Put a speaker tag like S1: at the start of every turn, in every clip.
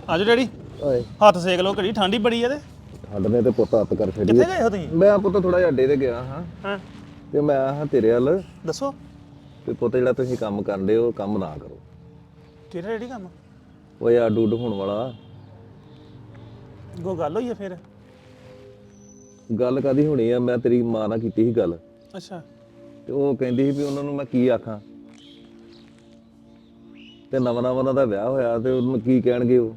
S1: ਆਜੋ ਡੈਡੀ
S2: ਓਏ
S1: ਹੱਥ ਸੇਕ ਲਓ ਘੜੀ ਠੰਡੀ ਬੜੀ ਆ ਤੇ
S2: ਸਾਡੇ ਨੇ ਤੇ ਪੁੱਤ ਹੱਥ ਕਰ ਛੱਡੀ
S1: ਕਿੱਥੇ ਗਏ ਹੋ ਤੁਸੀਂ?
S2: ਮੈਂ ਪੁੱਤ ਥੋੜਾ ਜਿਹਾ ਅੱਡੇ ਤੇ ਗਿਆ ਹਾਂ
S1: ਹਾਂ
S2: ਤੇ ਮੈਂ ਆਹ ਤੇਰੇ ਵੱਲ
S1: ਦੱਸੋ
S2: ਵੀ ਪੁੱਤ ਜਿਹੜਾ ਤੁਸੀਂ ਕੰਮ ਕਰਦੇ ਹੋ ਕੰਮ ਨਾ ਕਰੋ।
S1: ਕਿਹੜਾ ਡੈਡੀ ਕੰਮ?
S2: ਓਏ ਅੱਡ ਉੱਡ ਹੋਣ ਵਾਲਾ
S1: ਕੋ ਗੱਲ ਹੋਈ ਆ ਫਿਰ?
S2: ਗੱਲ ਕਾਦੀ ਹੋਣੀ ਆ, ਮੈਂ ਤੇਰੀ ਮਾਂ ਨਾਲ ਕੀਤੀ ਸੀ ਗੱਲ
S1: ਅੱਛਾ
S2: ਤੇ ਉਹ ਕਹਿੰਦੀ ਸੀ ਵੀ ਉਹਨਾਂ ਨੂੰ ਮੈਂ ਕੀ ਆਖਾਂ ਤੇ ਨਵਾਂ ਨਵਾਂ ਉਹਨਾਂ ਦਾ ਵਿਆਹ ਹੋਇਆ ਤੇ ਉਹਨੂੰ ਕੀ ਕਹਿਣਗੇ ਉਹ।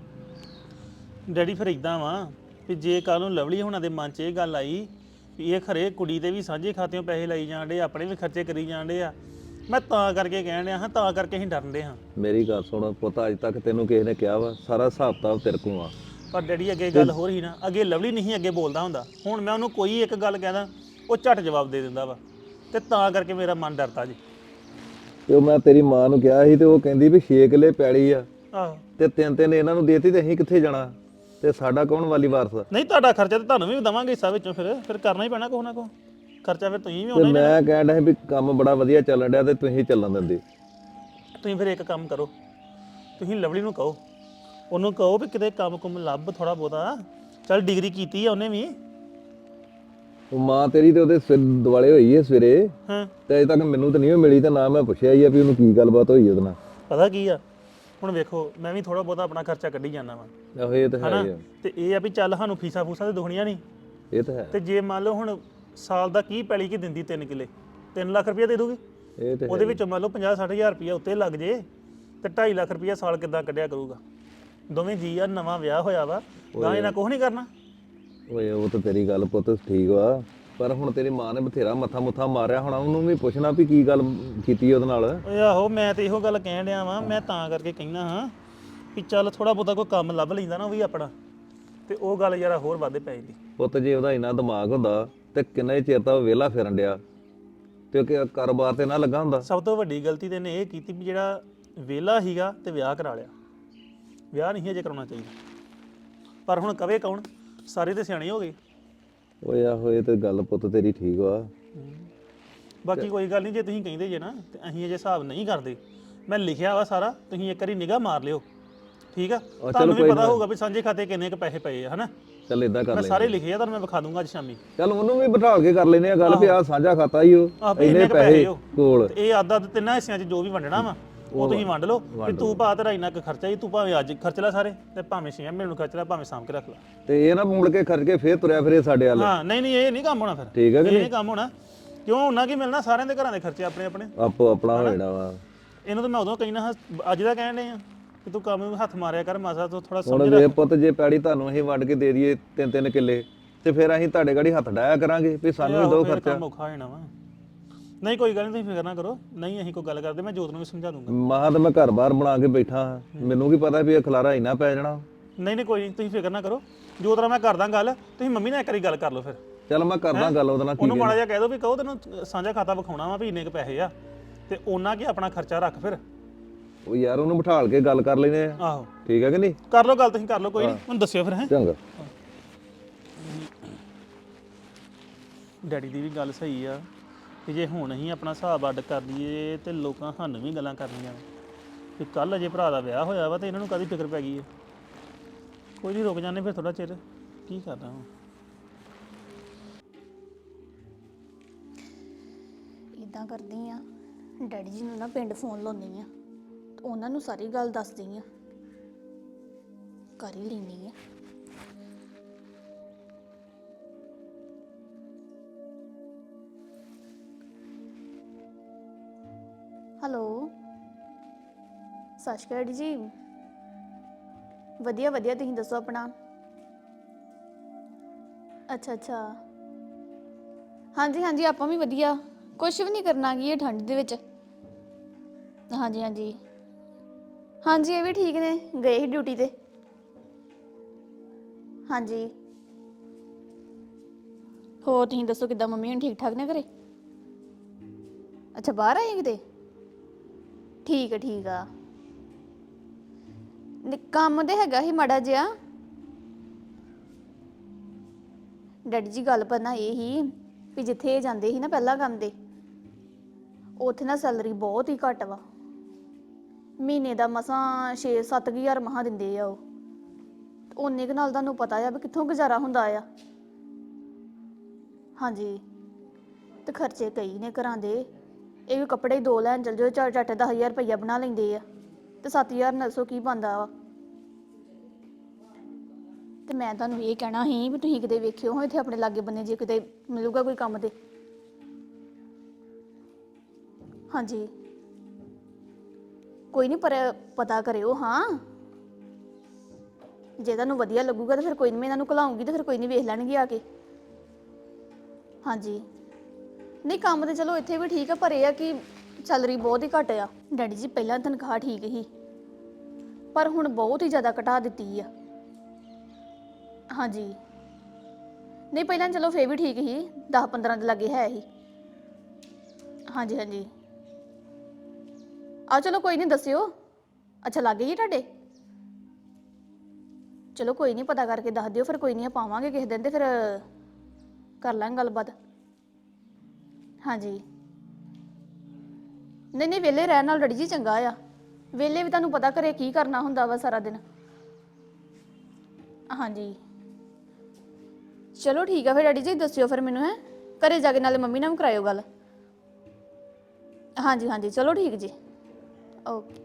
S1: ਡੈਡੀ ਫਿਰ ਇਦਾਂ ਵਾ ਵੀ ਜੇ ਕੱਲ ਨੂੰ ਲਵਲੀ ਹੋਣਾ ਦੇ ਮਨ 'ਚ ਇਹ ਗੱਲ ਆਈ ਵੀ ਇਹ ਖਰੇ ਕੁੜੀ ਦੇ ਵੀ ਸਾਂਝੇ ਖਾਤਿਆਂ ਪੈਸੇ ਲਈ ਜਾਣ ਡੇ, ਆਪਣੇ ਵੀ ਖਰਚੇ ਕਰੀ ਜਾਣ ਡੇ ਆ, ਮੈਂ ਤਾਂ ਕਰਕੇ ਕਹਿਣ ਡਿਆ ਹਾਂ, ਤਾਂ ਕਰਕੇ ਅਸੀਂ ਡਰਨ ਡੇ ਹਾਂ।
S2: ਮੇਰੀ ਗੱਲ ਸੁਣ ਪੁੱਤ, ਅੱਜ ਤੱਕ ਤੈਨੂੰ ਕਿਸੇ ਨੇ ਕਿਹਾ ਵਾ ਸਾਰਾ ਹਿਸਾਬ ਕਿਤਾਬ ਤੇਰੇ ਕੋਲ ਆ।
S1: ਪਰ ਡੈਡੀ ਅੱਗੇ ਗੱਲ ਹੋ ਰਹੀ ਨਾ, ਅੱਗੇ ਲਵਲੀ ਨਹੀਂ ਅੱਗੇ ਬੋਲਦਾ ਹੁੰਦਾ, ਹੁਣ ਮੈਂ ਉਹਨੂੰ ਕੋਈ ਇੱਕ ਗੱਲ ਕਹਿਦਾ ਉਹ ਝਟ ਜਵਾਬ ਦੇ ਦਿੰਦਾ ਵਾ, ਤੇ ਤਾਂ ਕਰਕੇ ਮੇਰਾ ਮਨ ਡਰਦਾ ਜੀ।
S2: ਤੇ ਉਹ ਮੈਂ ਤੇਰੀ ਮਾਂ ਨੂੰ ਕਿਹਾ ਸੀ ਤੇ ਉਹ ਕਹਿੰਦੀ ਵੀ 6 ਕਿੱਲੇ ਪੈਲੀ ਆ
S1: ਆਹੋ
S2: ਤੇ ਤਿੰਨ ਤਿੰਨ ਇਹਨਾਂ ਨੂੰ ਦੇਤੀ ਤੇ ਅਸੀਂ ਕਿੱਥੇ ਜਾਣਾ ਤੇ ਸਾਡਾ ਕੌਣ ਵਾਲੀ ਵਾਰਸ।
S1: ਨਹੀਂ ਤੁਹਾਡਾ ਖਰਚਾ ਤਾਂ ਤੁਹਾਨੂੰ ਵੀ ਦੇਵਾਂਗੇ ਹਿੱਸਾ ਵਿੱਚੋਂ, ਫਿਰ ਕਰਨਾ ਹੀ ਪੈਣਾ ਕੋਹ ਨਾ ਕੋਹ ਖਰਚਾ, ਫਿਰ ਤੁਸੀਂ ਵੀ
S2: ਤੇ
S1: ਹੋਣਾ ਹੀ।
S2: ਮੈਂ ਕਹਿਣ ਡਿਆ ਸੀ ਵੀ ਕੰਮ ਬੜਾ ਵਧੀਆ ਚੱਲਣ ਡਿਆ ਤੇ ਤੁਸੀਂ ਚੱਲਣ ਦਿੰਦੇ।
S1: ਤੁਸੀਂ ਫਿਰ ਇੱਕ ਕੰਮ ਕਰੋ, ਤੁਸੀਂ ਲਵਲੀ ਨੂੰ ਕਹੋ, ਉਹਨੂੰ ਕਹੋ ਵੀ ਕਿਤੇ ਕੰਮ ਕੁਮ ਲੱਭ ਥੋੜਾ ਬਹੁਤਾ, ਚੱਲ ਡਿਗਰੀ ਕੀਤੀ ਆ ਉਹਨੇ ਵੀ।
S2: ਉਹ ਮਾਂ ਤੇਰੀ ਤੇ ਉਹਦੇ ਸਿਰ ਦੁਆਲੇ ਹੋਈ ਹੈ ਸਵੇਰੇ
S1: ਹਾਂ
S2: ਤੇ ਅਜੇ ਤੱਕ ਮੈਨੂੰ ਤਾਂ ਨਹੀਂ ਉਹ ਮਿਲੀ ਤੇ ਨਾ ਮੈਂ ਪੁੱਛਿਆ ਹੀ ਆ ਵੀ ਉਹਨੂੰ ਕੀ ਗੱਲਬਾਤ ਹੋਈ ਉਹਦੇ ਨਾਲ।
S1: ਪਤਾ ਕੀ ਆ, ਹੁਣ ਵੇਖੋ ਮੈਂ ਵੀ ਥੋੜਾ ਬਹੁਤਾ ਆਪਣਾ ਖਰਚਾ ਕੱਢੀ ਜਾਂਦਾ ਵਾ,
S2: ਆਹੋ ਇਹ ਤਾਂ ਹੈ
S1: ਹਨਾ,
S2: ਹੀ ਆ।
S1: ਤੇ ਇਹ ਆ ਵੀ ਚੱਲ ਸਾਨੂੰ ਫੀਸਾਂ ਫੂਸਾਂ ਤੇ ਦੁਖਣੀਆਂ ਨਹੀਂ,
S2: ਇਹ ਤਾਂ ਹੈ
S1: ਤੇ ਜੇ ਮੰਨ ਲਓ ਹੁਣ ਸਾਲ ਦਾ ਕੀ ਪੈਲੀ ਕੀ ਦਿੰਦੀ 3 ਕਿੱਲੇ 3 ਲੱਖ ਰੁਪਇਆ ਦੇ ਦੂਗੀ,
S2: ਇਹ ਤਾਂ
S1: ਉਹਦੇ ਵਿੱਚੋਂ ਮੰਨ ਲਓ 50-60 ਹਜ਼ਾਰ ਰੁਪਇਆ ਉੱਤੇ ਲੱਗ ਜੇ ਤੇ 2.5 ਲੱਖ ਰੁਪਇਆ ਸਾਲ ਕਿੱਦਾਂ ਕੱਢਿਆ ਕਰੂਗਾ। ਦੋਵੇਂ ਜੀ ਆ, ਨਵਾਂ ਵਿਆਹ ਹੋਇਆ ਵਾ, ਗਾਂ ਇਹਨਾਂ ਕੁਛ ਨਹੀਂ ਕਰਨਾ।
S2: ਓਏ ਉਹ ਤਾਂ ਤੇਰੀ ਗੱਲ ਪੁੱਤ ਠੀਕ ਵਾ, ਪਰ ਹੁਣ ਤੇਰੀ ਮਾਂ ਨੇ ਬਥੇਰਾ ਮੱਥਾ ਮੁੱਥਾ ਮਾਰਿਆ ਹੋਣਾ, ਉਹਨੂੰ ਵੀ ਪੁੱਛਣਾ ਵੀ ਕੀ ਗੱਲ ਕੀਤੀ ਉਹਦੇ ਨਾਲ।
S1: ਓਏ ਆਹੋ, ਮੈਂ ਤੇ ਇਹੋ ਗੱਲ ਕਹਿਣ ਡਿਆ ਵਾਂ, ਮੈਂ ਤਾਂ ਕਰਕੇ ਕਹਿਣਾ ਹਾਂ ਵੀ ਚੱਲ ਥੋੜਾ ਬਹੁਤਾ ਕੋਈ ਕੰਮ ਲੱਭ ਲੈਂਦਾ ਨਾ ਉਹ ਵੀ ਆਪਣਾ, ਤੇ ਉਹ ਗੱਲ ਯਾਰਾ ਹੋਰ ਵੱਧ ਪੈ ਜਾਂਦੀ।
S2: ਪੁੱਤ ਜੇ ਉਹਦਾ ਇੰਨਾ ਦਿਮਾਗ ਹੁੰਦਾ ਤੇ ਕਿੰਨਾ ਹੀ ਚਿਰ ਤਾਂ ਉਹ ਵਿਹਲਾ ਫਿਰਨ ਡਿਆ ਤੇ ਉਹ ਕਾਰੋਬਾਰ ਤੇ ਨਾ ਲੱਗਾ ਹੁੰਦਾ।
S1: ਸਭ ਤੋਂ ਵੱਡੀ ਗਲਤੀ ਤੇ ਇਹਨੇ ਇਹ ਕੀਤੀ ਵੀ ਜਿਹੜਾ ਵਿਹਲਾ ਸੀਗਾ ਤੇ ਵਿਆਹ ਕਰਾ ਲਿਆ, ਵਿਆਹ ਨਹੀਂ ਅਜੇ ਕਰਾਉਣਾ ਚਾਹੀਦਾ। ਪਰ ਹੁਣ ਕਵੇ ਕੌਣ, ਸਾਰੇ ਤੇ ਸਿਆਣੇ ਹੋ ਗਏ।
S2: ਓਏ ਆਹੋ ਇਹ ਤੇ ਗੱਲ ਪੁੱਤ ਤੇਰੀ ਠੀਕ ਵਾ।
S1: ਬਾਕੀ ਕੋਈ ਗੱਲ ਨਹੀਂ, ਜੇ ਤੁਸੀਂ ਕਹਿੰਦੇ ਜੇ ਨਾ ਤੇ ਅਸੀਂ ਅਜੇ ਹਿਸਾਬ ਨਹੀਂ ਕਰਦੇ, ਮੈਂ ਲਿਖਿਆ ਵਾ ਸਾਰਾ, ਤੁਸੀਂ ਇੱਕ ਵਾਰੀ ਨਿਗਾਹ ਮਾਰ ਲਿਓ, ਠੀਕ ਆ? ਤੁਹਾਨੂੰ ਵੀ ਪਤਾ ਹੋਊਗਾ ਵੀ ਸਾਂਝੇ ਖਾਤੇ ਕਿੰਨੇ ਕੁ ਪੈਸੇ ਪਏ ਆ, ਹਨਾ?
S2: ਚੱਲ ਇਦਾਂ ਕਰ
S1: ਮੈਂ
S2: ਲੈ,
S1: ਸਾਰੇ ਲਿਖੇ ਆ, ਤੁਹਾਨੂੰ ਮੈਂ ਵਿਖਾ ਦੂੰਗਾ ਅੱਜ ਸ਼ਾਮੀ।
S2: ਚੱਲ ਉਹਨੂੰ ਵੀ ਬਿਠਾ ਕੇ ਕਰ ਲੈਨੇ ਆ ਗੱਲ ਵੀ ਆ ਸਾਂਝਾ ਖਾਤਾ ਹੀ ਉਹ ਇੰਨੇ ਪੈਸੇ ਕੋਲ,
S1: ਇਹ ਆਦਾ ਤਿੰਨਾਂ ਹਿੱਸਿਆਂ 'ਚ ਜੋ ਵੀ ਵੰਡਣਾ ਵਾ ਉਹ ਤੁਸੀਂ ਵੰਡ ਲਓ, ਵੀ ਤੂੰ ਭਾ ਤੇਰਾ ਇੰਨਾ ਕੁ ਖਰਚਾ ਹੀ, ਤੂੰ ਭਾਵੇਂ ਅੱਜ ਖਰਚ ਲੈ ਸਾਰੇ ਤੇ ਭਾਵੇਂ 6 ਮਹੀਨੇ ਨੂੰ ਖਰਚ ਲੈ, ਭਾਵੇਂ ਸਾਂਭ ਕੇ ਰੱਖ ਲੈ,
S2: ਤੇ ਇਹ ਨਾ ਮੁੜ ਕੇ ਖਰਚ ਕੇ ਫੇਰ ਤੁਰਿਆ ਫਿਰੇ ਸਾਡੇ ਵੱਲ।
S1: ਹਾਂ ਨਹੀਂ ਇਹ ਨਹੀਂ ਕੰਮ ਹੋਣਾ ਫਿਰ,
S2: ਠੀਕ ਹੈ ਕਿ
S1: ਇਹ ਨਹੀਂ ਕੰਮ ਹੋਣਾ। ਕਿਉਂ ਉਹਨਾਂ ਕੀ ਮਿਲਣਾ, ਸਾਰਿਆਂ ਦੇ ਘਰਾਂ ਦੇ ਖਰਚੇ ਆਪਣੇ ਆਪਣੇ,
S2: ਆਪੋ ਆਪਣਾ ਹੋ ਜਾਣਾ ਵਾ।
S1: ਇਹਨੂੰ ਤਾਂ ਮੈਂ ਉਦੋਂ ਕਹਿਣਾ, ਅੱਜ ਦਾ ਕਹਿਣ ਡਏ ਆ ਕਿ ਤੂੰ ਕੰਮ ਨੂੰ ਹੱਥ ਮਾਰਿਆ ਕਰ, ਮਾਸਾ ਤੂੰ ਥੋੜਾ
S2: ਹੁਣ
S1: ਸਮਝ
S2: ਵੇ ਪੁੱਤ ਜੇ ਪੈੜੀ ਤੁਹਾਨੂੰ ਅਸੀਂ ਵੰਡ ਕੇ ਦੇ ਦਈਏ 3-3 ਕਿੱਲੇ ਤੇ ਫਿਰ ਅਸੀਂ ਤੁਹਾਡੇ ਗਾੜੀ ਹੱਥ ਡਾਇਆ ਕਰਾਂਗੇ ਵੀ ਸਾਨੂੰ ਵੀ ਦੋ ਖਰਚਾ।
S1: ਕੰਮ ਔਖਾ ਹੋ ਜਾਣਾ ਵਾ। ਨਹੀਂ ਕੋਈ ਗੱਲ ਨਹੀਂ, ਤੁਸੀਂ ਫਿਕਰ ਨਾ ਕਰੋ, ਨਹੀਂ ਅਸੀਂ ਕੋਈ ਗੱਲ ਕਰਦੇ, ਮੈਂ ਜੋਤ ਨੂੰ ਵੀ ਸਮਝਾ ਦੂੰਗਾ।
S2: ਮਾਂ ਤਾਂ ਮੈਂ ਘਰ-ਬਾਰ ਬਣਾ ਕੇ ਬੈਠਾ ਹਾਂ, ਮੈਨੂੰ ਕੀ ਪਤਾ ਵੀ ਇਹ ਖਲਾਰਾ ਇੰਨਾ ਪੈ ਜਾਣਾ।
S1: ਨਹੀਂ ਕੋਈ ਨਹੀਂ, ਤੁਸੀਂ ਫਿਕਰ ਨਾ ਕਰੋ, ਜੋਤ ਨਾਲ ਮੈਂ ਕਰਦਾ ਗੱਲ, ਤੁਸੀਂ ਮੰਮੀ ਨਾਲ ਇੱਕ ਵਾਰੀ ਗੱਲ ਕਰ ਲਓ ਫਿਰ।
S2: ਚੱਲ ਮੈਂ ਕਰਦਾ ਗੱਲ ਉਹਦੇ ਨਾਲ।
S1: ਉਹਨੂੰ ਮਾੜਾ ਜਿਹਾ ਕਹਿ ਦੋ ਵੀ ਕਹੋ ਤੈਨੂੰ ਸਾਂਝਾ ਖਾਤਾ ਵਿਖਾਉਣਾ ਵਾ ਵੀ ਇੰਨੇ ਕੁ ਪੈਸੇ ਆ, ਤੇ ਉਹਨਾਂ ਕੀ ਆਪਣਾ ਖਰਚਾ ਰੱਖ ਫਿਰ।
S2: ਉਹ ਯਾਰ ਉਹਨੂੰ ਬਿਠਾਲ ਕੇ ਗੱਲ ਕਰ ਲੈਨੇ ਆ,
S1: ਆਹੋ
S2: ਠੀਕ ਹੈ ਕਿ ਨਹੀਂ?
S1: ਕਰ ਲਓ ਗੱਲ, ਤੁਸੀਂ ਕਰ ਲਓ, ਕੋਈ ਨਹੀਂ, ਮੈਨੂੰ ਦੱਸਿਓ ਫਿਰ। ਹੈ
S2: ਚੰਗਾ।
S1: ਡੈਡੀ ਦੀ ਵੀ ਗੱਲ ਸਹੀ ਆ ਕਿ ਜੇ ਹੁਣ ਅਸੀਂ ਆਪਣਾ ਹਿਸਾਬ ਅੱਡ ਕਰ ਲਈਏ ਤੇ ਲੋਕਾਂ ਸਾਨੂੰ ਵੀ ਗੱਲਾਂ ਕਰਨੀਆਂ ਵੀ ਕੱਲ ਅਜੇ ਭਰਾ ਦਾ ਵਿਆਹ ਹੋਇਆ ਵਾ ਤੇ ਇਹਨਾਂ ਨੂੰ ਕਾਹਦੀ ਫਿਕਰ ਪੈ ਗਈ ਹੈ। ਕੋਈ ਨਹੀਂ, ਰੁਕ ਜਾਂਦੇ ਫਿਰ ਥੋੜਾ ਚਿਰ, ਕੀ ਕਰਨਾ ਹੁਣ।
S3: ਇਦਾਂ ਕਰਦੀ ਆ, ਡੈਡੀ ਜੀ ਨੂੰ ਨਾ ਪਿੰਡ ਫੋਨ ਲਾਉਂਦੀ ਆ, ਉਹਨਾਂ ਨੂੰ ਸਾਰੀ ਗੱਲ ਦੱਸਦੀ ਆ, ਕਰ ਹੀ ਲੈਂਦੀ ਆ। ਹੈਲੋ, ਸਤਿ ਸ਼੍ਰੀ ਅਕਾਲ ਡੈਡੀ ਜੀ। ਵਧੀਆ ਵਧੀਆ, ਤੁਸੀਂ ਦੱਸੋ ਆਪਣਾ? ਅੱਛਾ ਹਾਂਜੀ ਹਾਂਜੀ, ਆਪਾਂ ਵੀ ਵਧੀਆ, ਕੁਛ ਵੀ ਨਹੀਂ ਕਰਨਾ ਕੀ ਇਹ ਠੰਡ ਦੇ ਵਿੱਚ। ਹਾਂਜੀ ਹਾਂਜੀ ਇਹ ਵੀ ਠੀਕ ਨੇ, ਗਏ ਸੀ ਡਿਊਟੀ ਤੇ। ਹਾਂਜੀ, ਹੋਰ ਤੁਸੀਂ ਦੱਸੋ ਕਿੱਦਾਂ, ਮੰਮੀ ਹੁਣ ਠੀਕ ਠਾਕ ਨੇ ਘਰੇ? ਅੱਛਾ, ਬਾਹਰ ਆਏ ਕਿਤੇ? ਠੀਕ ਆ। ਕੰਮ ਤੇ ਹੈਗਾ ਸੀ ਮਾੜਾ ਜਿਹਾ ਡੈਡੀ ਜੀ, ਗੱਲ ਪਤਾ ਇਹ ਹੀ ਵੀ ਜਿੱਥੇ ਇਹ ਜਾਂਦੇ ਸੀ ਨਾ ਪਹਿਲਾਂ ਕੰਮ ਦੇ, ਉੱਥੇ ਨਾ ਸੈਲਰੀ ਬਹੁਤ ਹੀ ਘੱਟ ਵਾ, ਮਹੀਨੇ ਦਾ ਮਸਾਂ 6-7 ਹਜ਼ਾਰ ਮਸਾਂ ਦਿੰਦੇ ਆ ਉਹ, ਓਨੇ ਕੁ ਨਾਲ ਤੁਹਾਨੂੰ ਪਤਾ ਆ ਵੀ ਕਿੱਥੋਂ ਗੁਜ਼ਾਰਾ ਹੁੰਦਾ ਆ। ਹਾਂਜੀ ਤੇ ਖਰਚੇ ਕਈ ਨੇ ਘਰਾਂ ਦੇ। ਇਹ ਵੀ ਕੱਪੜੇ 2 ਲੈਣ ਚਲ ਜਾਓ, 4-4 10,000 ਰੁਪਈਆ ਬਣਾ ਲੈਂਦੇ ਆ ਤੇ 7,000 ਨਾਲ ਸੌ ਕੀ ਬਣਦਾ ਵਾ। ਤੇ ਮੈਂ ਤੁਹਾਨੂੰ ਇਹ ਕਹਿਣਾ ਸੀ ਵੀ ਤੁਸੀਂ ਕਿਤੇ ਵੇਖਿਓ ਹੋ ਇੱਥੇ ਆਪਣੇ ਲਾਗੇ ਬੰਨੇ ਜੇ ਕਿਤੇ ਮਿਲੂਗਾ ਕੋਈ ਕੰਮ ਤੇ। ਹਾਂਜੀ ਕੋਈ ਨਹੀਂ, ਪਰ ਪਤਾ ਕਰਿਓ ਹਾਂ। ਜੇ ਤੁਹਾਨੂੰ ਵਧੀਆ ਲੱਗੂਗਾ ਤਾਂ ਫਿਰ ਕੋਈ ਨਹੀਂ, ਮੈਂ ਇਹਨਾਂ ਨੂੰ ਘਲਾਉਂਗੀ ਤੇ ਫਿਰ ਕੋਈ ਨਹੀਂ, ਵੇਖ ਲੈਣਗੇ ਆ ਕੇ। ਹਾਂਜੀ ਨਹੀਂ ਕੰਮ ਤੇ ਚਲੋ ਇੱਥੇ ਵੀ ਠੀਕ ਆ, ਪਰ ਇਹ ਆ ਕਿ ਸੈਲਰੀ ਬਹੁਤ ਹੀ ਘੱਟ ਆ। ਡੈਡੀ ਜੀ ਪਹਿਲਾਂ ਤਨਖਾਹ ਠੀਕ ਸੀ, ਪਰ ਹੁਣ ਬਹੁਤ ਹੀ ਜ਼ਿਆਦਾ ਘਟਾ ਦਿੱਤੀ ਆ। ਹਾਂਜੀ ਨਹੀਂ ਪਹਿਲਾਂ ਚਲੋ ਫੇਰ ਵੀ ਠੀਕ ਸੀ, 10-15 ਦੇ ਲਾਗੇ ਹੈ ਹੀ। ਹਾਂਜੀ ਹਾਂਜੀ ਆ ਚਲੋ ਕੋਈ ਨਹੀਂ, ਦੱਸਿਓ। ਅੱਛਾ ਲਾਗੇ ਹੀ ਤੁਹਾਡੇ? ਚਲੋ ਕੋਈ ਨਹੀਂ, ਪਤਾ ਕਰਕੇ ਦੱਸ ਦਿਓ ਫਿਰ। ਕੋਈ ਨਹੀਂ ਆਪਾਂ ਆਵਾਂਗੇ ਕਿਸੇ ਦਿਨ ਤੇ ਫਿਰ ਕਰ ਲਾਂਗੇ ਗੱਲਬਾਤ। ਹਾਂਜੀ ਨਹੀਂ ਨਹੀਂ, ਵਿਹਲੇ ਰਹਿਣ ਨਾਲ ਡੈਡੀ ਜੀ ਚੰਗਾ ਆ। ਵਿਹਲੇ ਵੀ ਤੁਹਾਨੂੰ ਪਤਾ ਘਰੇ ਕੀ ਕਰਨਾ ਹੁੰਦਾ ਵਾ ਸਾਰਾ ਦਿਨ। ਹਾਂਜੀ ਚਲੋ ਠੀਕ ਆ ਫਿਰ ਡੈਡੀ ਜੀ, ਦੱਸਿਓ ਫਿਰ ਮੈਨੂੰ। ਹੈ ਘਰੇ ਜਾ ਕੇ ਨਾਲੇ ਮੰਮੀ ਨਾਲ ਵੀ ਕਰਾਇਓ ਗੱਲ। ਹਾਂਜੀ ਹਾਂਜੀ ਚਲੋ ਠੀਕ ਜੀ, ਓਕੇ।